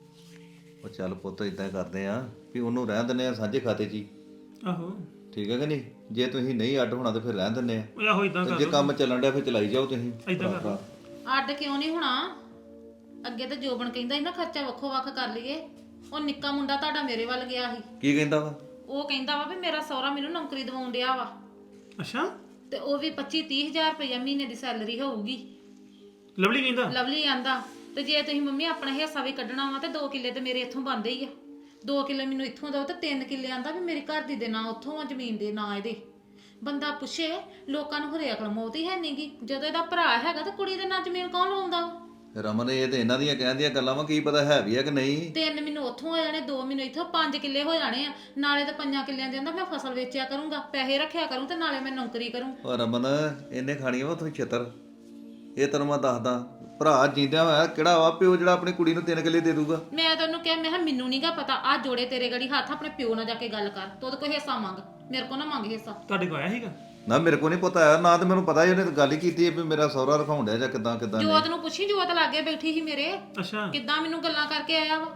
S2: ਉਹ ਚੱਲ ਪੁੱਤ ਇਦਾਂ ਕਰਦੇ ਆ ਵੀ ਉਹਨੂੰ ਰਹਿਣ ਦਿੰਦੇ ਆ ਸਾਂਝੇ ਖਾਤੇ 'ਚ ਹੀ
S1: ਆਹੋ
S2: ਠੀਕ ਹੈ ਕਿ ਨਹੀਂ ਜੇ ਤੁਸੀਂ ਨਹੀਂ ਅੱਡ ਹੋਣਾ ਤੇ ਫਿਰ ਰਹਿਣ ਦਿੰਦੇ ਆ
S1: ਉਹ ਆਹੋ ਇਦਾਂ
S2: ਤੇ
S1: ਕਰ
S2: ਜੇ
S1: ਲਓ
S2: ਕੰਮ ਚੱਲਣ ਡਿਆ ਫਿਰ ਚਲਾਈ ਜਾਓ ਤੁਸੀਂ
S1: ਇਦਾਂ ਕਰ ਲਓ
S3: ਅੱਡ ਕਿਉਂ ਨਹੀਂ ਹੋਣਾ ਅੱਗੇ ਤਾਂ ਜੋਬਨ ਕਹਿੰਦਾ ਸੀ ਨਾ ਖਰਚਾ ਵੱਖੋ ਵੱਖ ਕਰ ਲਈਏ ਉਹ ਨਿੱਕਾ ਮੁੰਡਾ ਤੁਹਾਡਾ ਮੇਰੇ ਵੱਲ ਗਿਆ ਸੀ
S2: ਕੀ ਕਹਿੰਦਾ ਵਾ
S3: ਉਹ ਕਹਿੰਦਾ ਵਾ ਵੀ ਮੇਰਾ ਸਹੁਰਾ ਮੈਨੂੰ ਨੌਕਰੀ ਦਿਵਾਉਣ ਡਿਆ ਵਾ
S1: ਅੱਛਾ
S3: ਤੇ ਉਹ ਵੀ 25-30 ਹਜ਼ਾਰ ਰੁਪਇਆ ਮਹੀਨੇ ਦੀ ਸੈਲਰੀ ਹੋਊਗੀ
S1: ਲਵਲੀ ਕਹਿੰਦਾ
S3: ਲਵਲੀ ਆਂਦਾ ਤੇ ਜੇ ਤੁਸੀਂ ਮੰਮੀ ਆਪਣਾ ਹਿੱਸਾ ਵੀ ਕੱਢਣਾ ਵਾ ਤੇ 2 ਕਿੱਲੇ ਤੇ ਮੇਰੇ ਇੱਥੋਂ ਬਣਦੇ ਹੀ ਆ 2 ਕਿੱਲੇ ਮੈਨੂੰ ਇੱਥੋਂ ਦਿਓ ਤੇ 3 ਕਿੱਲੇ ਆਂਦਾ ਵੀ ਮੇਰੀ ਘਰ ਦੀ ਦੇ ਨਾਂ ਉੱਥੋਂ ਆ ਜ਼ਮੀਨ ਦੇ ਨਾਂ ਇਹਦੇ ਬੰਦਾ ਪੁੱਛੇ ਲੋਕਾਂ ਨੂੰ ਹਰੇ ਅਕਲ ਮੌਤ ਹੀ ਹੈ ਨਹੀਂਗੀ ਜਦੋਂ ਇਹਦਾ ਭਰਾ ਹੈਗਾ ਤੇ ਕੁੜੀ ਦੇ ਨਾਂ ਜ਼ਮੀਨ ਕੌਣ ਲਾਉਂਦਾ
S2: ਰਮਨ ਇਹ ਤੇ ਇਹਨਾਂ ਦੀਆਂ ਕਹਿੰਦੀਆਂ ਗੱਲਾਂ ਵਾ ਕੀ ਪਤਾ ਹੈ ਵੀ ਆ ਕਿ ਨਹੀਂ
S3: 3 ਮੈਨੂੰ ਉੱਥੋਂ ਹੋ ਜਾਣੇ 2 ਮੈਨੂੰ ਇੱਥੋਂ 5 ਕਿੱਲੇ ਹੋ ਜਾਣੇ ਆ ਨਾਲੇ ਤੇ 5 ਕਿੱਲਿਆਂ ਦੇ ਅੰਦਰ ਮੈਂ ਫਸਲ ਵੇਚਿਆ ਕਰੂੰਗਾ ਪੈਸੇ ਰੱਖਿਆ ਕਰੂੰ ਤੇ ਨਾਲੇ ਮੈਂ ਨੌਕਰੀ ਕਰੂੰ
S2: ਉਹ ਰਮਨ ਇਹਨੇ ਖਾਣੀਆਂ ਵਾ ਤੁਸੀਂ ਛਿੱਤਰ ਇਹ ਤੈਨੂੰ ਮੈਂ ਦੱਸਦਾ ਭਰਾ ਜਿੰਦਿਆਂ ਹੋਇਆ ਕਿਹੜਾ ਵਾ ਪਿਓ ਜਿਹੜਾ ਆਪਣੀ ਕੁੜੀ ਨੂੰ 3 ਕਿੱਲੇ ਦੇ ਦੂਗਾ
S3: ਮੈਂ ਤਾਂ ਉਹਨੂੰ ਕਿਹਾ ਮੈਂ ਕਿਹਾ ਮੈਨੂੰ ਨਹੀਂਗਾ ਪਤਾ ਆ ਜੋੜੇ ਤੇਰੇ ਗੜੀ ਹੱਥ ਆਪਣੇ ਪਿਓ ਨਾਲ ਜਾ ਕੇ ਗੱਲ ਕਰ ਤੂੰ ਉਹਦੇ ਕੋਈ ਹਿੱਸਾ ਮੰਗ ਮੇਰੇ ਕੋਲ ਨਾ ਮੰਗ ਹਿੱਸਾ
S1: ਤੁਹਾਡੇ ਕੋਲ ਆਇਆ ਸੀਗਾ
S2: ਨਾ ਮੇਰੇ ਕੋ ਨਹੀਂ ਪਤਾ ਆਇਆ ਨਾ ਤੇ ਮੈਨੂੰ ਪਤਾ ਹੀ ਉਹਨੇ ਤਾਂ ਗੱਲ ਹੀ ਕੀਤੀ ਹੈ ਵੀ ਮੇਰਾ ਸਹੁਰਾ ਰਖਾਉਣ ਡਿਆ ਜਾਂ ਕਿਦਾਂ ਕਿਦਾਂ
S3: ਜੋਤ ਨੂੰ ਪੁੱਛੀ ਜੋਤ ਲਾਗੇ ਬੈਠੀ ਸੀ ਮੇਰੇ
S1: ਅੱਛਾ
S3: ਕਿੱਦਾਂ ਮੈਨੂੰ ਗੱਲਾਂ ਕਰਕੇ ਆਇਆ ਵਾ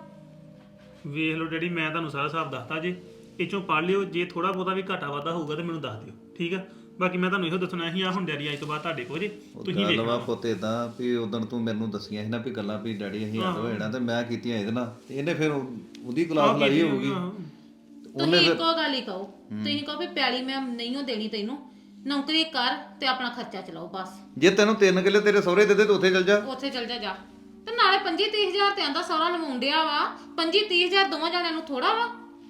S1: ਵੇਖ ਲਓ ਡੈਡੀ ਮੈਂ ਤੁਹਾਨੂੰ ਸਾਰਾ ਹਿਸਾਬ ਦੱਸਤਾ ਜੇ ਇਹ ਚੋਂ ਪੜ੍ਹ ਲਿਓ ਜੇ ਥੋੜਾ ਬਹੁਤਾ ਵੀ ਘਾਟਾ ਵਾਧਾ ਹੋਊਗਾ ਤੇ ਮੈਨੂੰ ਦੱਸ ਦਿਓ ਠੀਕ ਆ ਬਾਕੀ ਮੈਂ ਤੁਹਾਨੂੰ ਇਹੋ ਦੱਸਣਾ ਸੀ ਆ ਹੁਣ ਡੈਡੀ ਅੱਜ ਤੋਂ ਬਾਅਦ ਤੁਹਾਡੇ ਕੋਲ ਜੇ ਤੁਸੀਂ
S2: ਗੱਲ ਵਾ
S1: ਵੇਖਣਾ
S2: ਪੁੱਤ ਏਦਾਂ ਵੀ ਉਦੋਂ ਤੂੰ ਮੈਨੂੰ ਦੱਸੀਆਂ ਸੀ ਨਾ ਵੀ ਗੱਲਾਂ ਵੀ ਡੈਡੀ ਅਸੀਂ ਅੱਡ ਹੋ ਜਾਣਾ ਤੇ ਮੈਂ ਕੀਤੀਆਂ ਇਹਦੇ ਨਾਲ ਤੇ ਇਹਨੇ ਫਿਰ ਉਹਦੀ ਕਲਾਸ ਲਾਈ ਹੋਊਗੀ
S3: ਤੁਸੀਂ ਇੱਕੋ ਗੱਲ ਹੀ ਕਹੋ ਤੁਸੀਂ ਕਹੋ ਵੀ ਪੈਲੀ ਮੈਂ ਨਹੀਂ ਓ ਦੇਣੀ ਤੈਨੂੰ ਨੌਕਰੀ ਕਰ ਤੇ ਆਪਣਾ ਖਰਚਾ ਚਲਾਓ ਬਸ
S2: ਜੇ ਤੈਨੂੰ 3 ਕਿੱਲੇ ਤੇਰੇ ਸਹੁਰੇ ਦੇ ਦੇ ਤੇ ਉੱਥੇ ਚੱਲ ਜਾ
S3: ਉੱਥੇ ਚੱਲ ਜਾ ਜਾ ਤੇ ਨਾਲੇ 25-30 ਹਜ਼ਾਰ ਤੇ ਆਂਦਾ ਸਹੁਰਾ ਲਵਾਉਣ ਡਿਆ ਵਾ 25-30 ਹਜ਼ਾਰ ਦੋਵਾਂ ਜਣਿਆਂ ਨੂੰ ਥੋੜਾ ਵਾ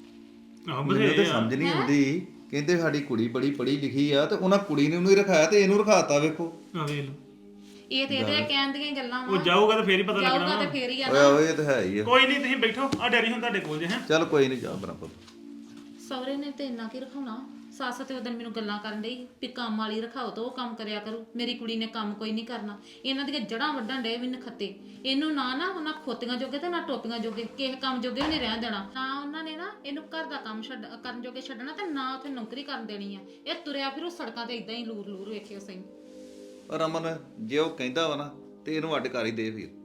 S1: ਆਹ
S2: ਮੈਨੂੰ
S1: ਬਥੇਰੇ
S2: ਤੇ
S1: ਆ
S2: ਸਮਝ ਨਹੀਂ ਆਉਂਦੀ ਕਹਿੰਦੇ ਸਾਡੀ ਕੁੜੀ ਬੜੀ ਪੜ੍ਹੀ ਲਿਖੀ ਆ ਤੇ ਉਹਨਾਂ ਕੁੜੀ ਨੂੰ ਹੀ ਰਖਾਇਆ ਤੇ ਇਹਨੂੰ ਰਖਾਤਾ ਵੇਖੋ
S1: ਆ ਵੇਖ ਲਓ
S3: ਇਹ ਤੇ ਇਹਦੇ ਕਹਿਣ ਦੀਆਂ ਹੀ ਗੱਲਾਂ ਵਾ
S1: ਉਹ ਜਾਊਗਾ ਤਾਂ ਫੇਰ ਹੀ ਪਤਾ
S3: ਜਾਊਗਾ
S1: ਲੱਗਣਾ
S3: ਤੇ ਫੇਰ ਹੀ ਆ
S2: ਓਏ ਓਏ ਇਹ ਤਾਂ ਹੈ ਹੀ ਆ
S1: ਕੋਈ ਨਹੀਂ ਤੁਸੀਂ ਬੈਠੋ ਆ ਡੈਡੀ ਹੁਣ ਤੁਹਾਡੇ ਕੋਲ ਜੇ ਹੈ
S2: ਚੱਲ ਕੋਈ ਨਹੀਂ ਜਾ ਬਰਾਬਰ
S3: ਸਹੁਰੇ ਨੇ ਤੇ ਇੰਨਾ ਕੀ ਰਖਾਉਣਾ ਸੱਸ ਤੇ ਉਹਦਨ ਮੈਨੂੰ ਗੱਲਾਂ ਕਰਨ ਡਈ ਵੀ ਕੰਮ ਵਾਲੀ ਰਖਾਓ ਤਾਂ ਉਹ ਕੰਮ ਕਰਿਆ ਕਰੂ ਮੇਰੀ ਕੁੜੀ ਨੇ ਕੰਮ ਕੋਈ ਨਹੀਂ ਕਰਨਾ ਇਹਨਾਂ ਦੀਆਂ ਜੜਾਂ ਵੱਢਣ ਡੇ ਵੀ ਨਖੱਤੇ ਇਹਨੂੰ ਨਾ ਉਹਨਾਂ ਖੋਤੀਆਂ ਜੋਗੇ ਤੇ ਨਾ ਟੋਪੀਆਂ ਜੋਗੇ ਕਿਸੇ ਕੰਮ ਜੋਗੇ ਵੀ ਨਹੀਂ ਰਹਿਣ ਦੇਣਾ ਨਾ ਉਹਨਾਂ ਨੇ ਨਾ ਇਹਨੂੰ ਘਰ ਦਾ ਕੰਮ ਕਰਨ ਜੋਗੇ ਛੱਡਣਾ ਤੇ ਨਾ ਉੱਥੇ ਨੌਕਰੀ ਕਰਨ ਦੇਣੀ ਆ ਇਹ ਤੁਰਿਆ ਫਿਰੂ ਸੜਕਾਂ ਤੇ ਇਦਾਂ ਹੀ ਲੂਰ ਲੂਰ ਵੇਖਿਓ ਸਹੀ
S2: ਰਮਨ ਜੇ ਉਹ ਕਹਿੰਦਾ ਵਾ ਨਾ ਤੇ ਇਹਨੂੰ ਅੱਡ ਕਰ ਹੀ ਦੇ ਫਿਰ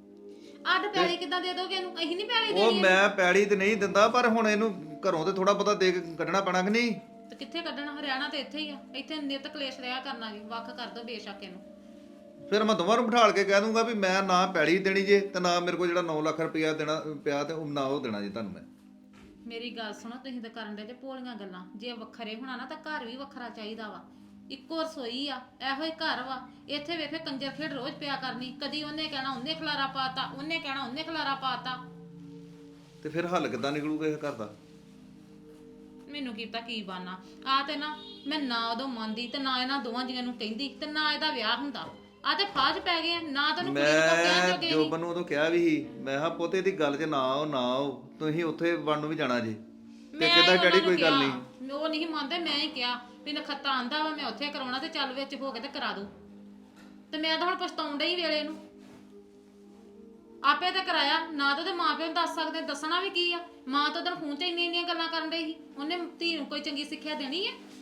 S3: ਅੱਡ ਪੈਲੀ ਕਿੱਦਾਂ ਦੇ ਦੋਗੇ ਇਹਨੂੰ ਅਸੀਂ ਨਹੀਂ ਪੈਲੀ
S2: ਉਹ
S3: ਦੇਣੀ
S2: ਮੈਂ ਪੈੜੀ ਤੇ ਨਹੀਂ ਦਿੰਦਾ ਪਰ ਹੁਣ ਇਹਨੂੰ ਘਰੋਂ ਤੇ ਥੋੜਾ ਬਹੁਤਾ ਦੇ ਕੇ ਕੱਢਣਾ ਪੈਣਾ ਕਿ ਨਹੀਂ
S3: ਤੇ ਕਿੱਥੇ ਕੱਢਣਾ ਹਰਿਆਣਾ ਤੇ ਇੱਥੇ ਹੀ ਆ ਇੱਥੇ ਨਿਤ ਕਲੇਸ਼ ਰਿਹਾ ਕਰਨਾ ਜੀ ਵੱਖ ਕਰ ਦੋ ਬੇਸ਼ੱਕ ਇਹਨੂੰ
S2: ਫਿਰ ਮੈਂ ਦੋਵਾਂ ਨੂੰ ਬਿਠਾਲ ਕੇ ਕਹਿ ਦੂੰਗਾ ਵੀ ਮੈਂ ਨਾ ਪੈੜੀ ਦੇਣੀ ਜੇ ਤੇ ਨਾ ਮੇਰੇ ਕੋਲ ਜਿਹੜਾ 9 ਲੱਖ ਰੁਪਇਆ ਦੇਣਾ ਪਿਆ ਤੇ ਉਹ ਨਾ ਉਹ ਦੇਣਾ ਜੇ ਤੁਹਾਨੂੰ ਮੈਂ
S3: ਮੇਰੀ ਗੱਲ ਸੁਣੋ ਤੁਸੀਂ ਤਾਂ ਕਰਨ ਦੇ ਤੇ ਭੋਲੀਆਂ ਗੱਲਾਂ ਜੇ ਵੱਖਰੇ ਹੋਣਾ ਨਾ ਤਾਂ ਘਰ ਵੀ ਵੱਖਰਾ ਚਾਹੀਦਾ ਵਾ ਇੱਕੋ ਰਸੋਈ ਆ ਇਹੋ ਹੀ ਘਰ ਵਾ ਇੱਥੇ ਵੇਖੇ ਕੰਜਰ ਖੇਡ ਰੋਜ਼ ਪਿਆ ਕਰਨੀ ਕਦੀ ਉਹਨੇ ਕਹਿਣਾ ਉਹਨੇ ਖਲਾਰਾ ਪਾਤਾ ਉਹਨੇ ਕਹਿਣਾ ਉਹਨੇ ਖਲਾਰਾ ਪਾਤਾ
S2: ਤੇ ਫਿਰ ਹੱਲ ਕਿੱਦਾਂ ਨਿਕਲੂਗਾ ਇਹ ਘਰ ਦਾ
S3: ਮੈਨੂੰ ਕੀਤਾ ਕੀ ਬਾਨਾ ਆ ਤੇ ਨਾ ਮੈਂ ਨਾ ਉਦੋਂ ਮੰਨਦੀ ਤੇ ਨਾ ਇਹਨਾਂ ਦੋਵਾਂ ਜੀਆਂ ਨੂੰ ਕਹਿੰਦੀ ਤੇ ਨਾ ਇਹਦਾ ਵਿਆਹ ਹੁੰਦਾ ਆ ਤੇ ਫਾਜ ਪੈ ਗਏ ਨਾ ਤੈਨੂੰ ਕੁੜੀ ਨੂੰ ਕਹਿਣ
S2: ਮੈਂ
S3: ਜੋਗੇ
S2: ਜੋਬਨ ਨੂੰ ਉਦੋਂ ਕਿਹਾ ਵੀ ਸੀ ਮੈਂ ਕਿਹਾ ਪੋਤੇ ਦੀ ਗੱਲ 'ਚ ਨਾ ਆਓ ਤੁਸੀਂ ਉੱਥੇ ਵੜ ਨੂੰ ਵੀ ਜਾਣਾ ਜੇ ਤੇ ਕਿੱਦਾਂ ਡੈਡੀ ਕੋਈ ਗੱਲ ਨਹੀਂ
S3: ਉਹ ਨਹੀਂ ਮੰਨਦੇ ਮੈਂ ਹੀ ਕਿਹਾ ਵੀ ਨਖੱਤਾ ਆਂਦਾ ਵਾ ਮੈਂ ਉੱਥੇ ਕਰਾਉਣਾ ਤੇ ਚੱਲ ਵਿੱਚ ਹੋ ਕੇ ਤੇ ਕਰਾ ਦੂ ਤੇ ਮੈਂ ਤਾਂ ਹੁਣ ਪਛਤਾਉਣ ਡਈ ਵੇਲੇ ਨੂੰ ਆਪੇ ਤਾਂ ਕਰਾਇਆ ਨਾ ਤਾਂ ਉਹਦੇ ਮਾਪਿਆਂ ਨੂੰ ਦੱਸ ਸਕਦੇ ਦੱਸਣਾ ਵੀ ਕੀ ਆ ਮਾਂ ਤਾਂ ਉਹਦਾ ਫੋਨ 'ਚ ਇੰਨੀਆਂ ਗੱਲਾਂ ਕਰਨ ਡਈ ਸੀ ਉਹਨੇ ਧੀ ਨੂੰ ਕੋਈ ਚੰਗੀ ਸਿੱਖਿਆ ਦੇਣੀ ਹੈ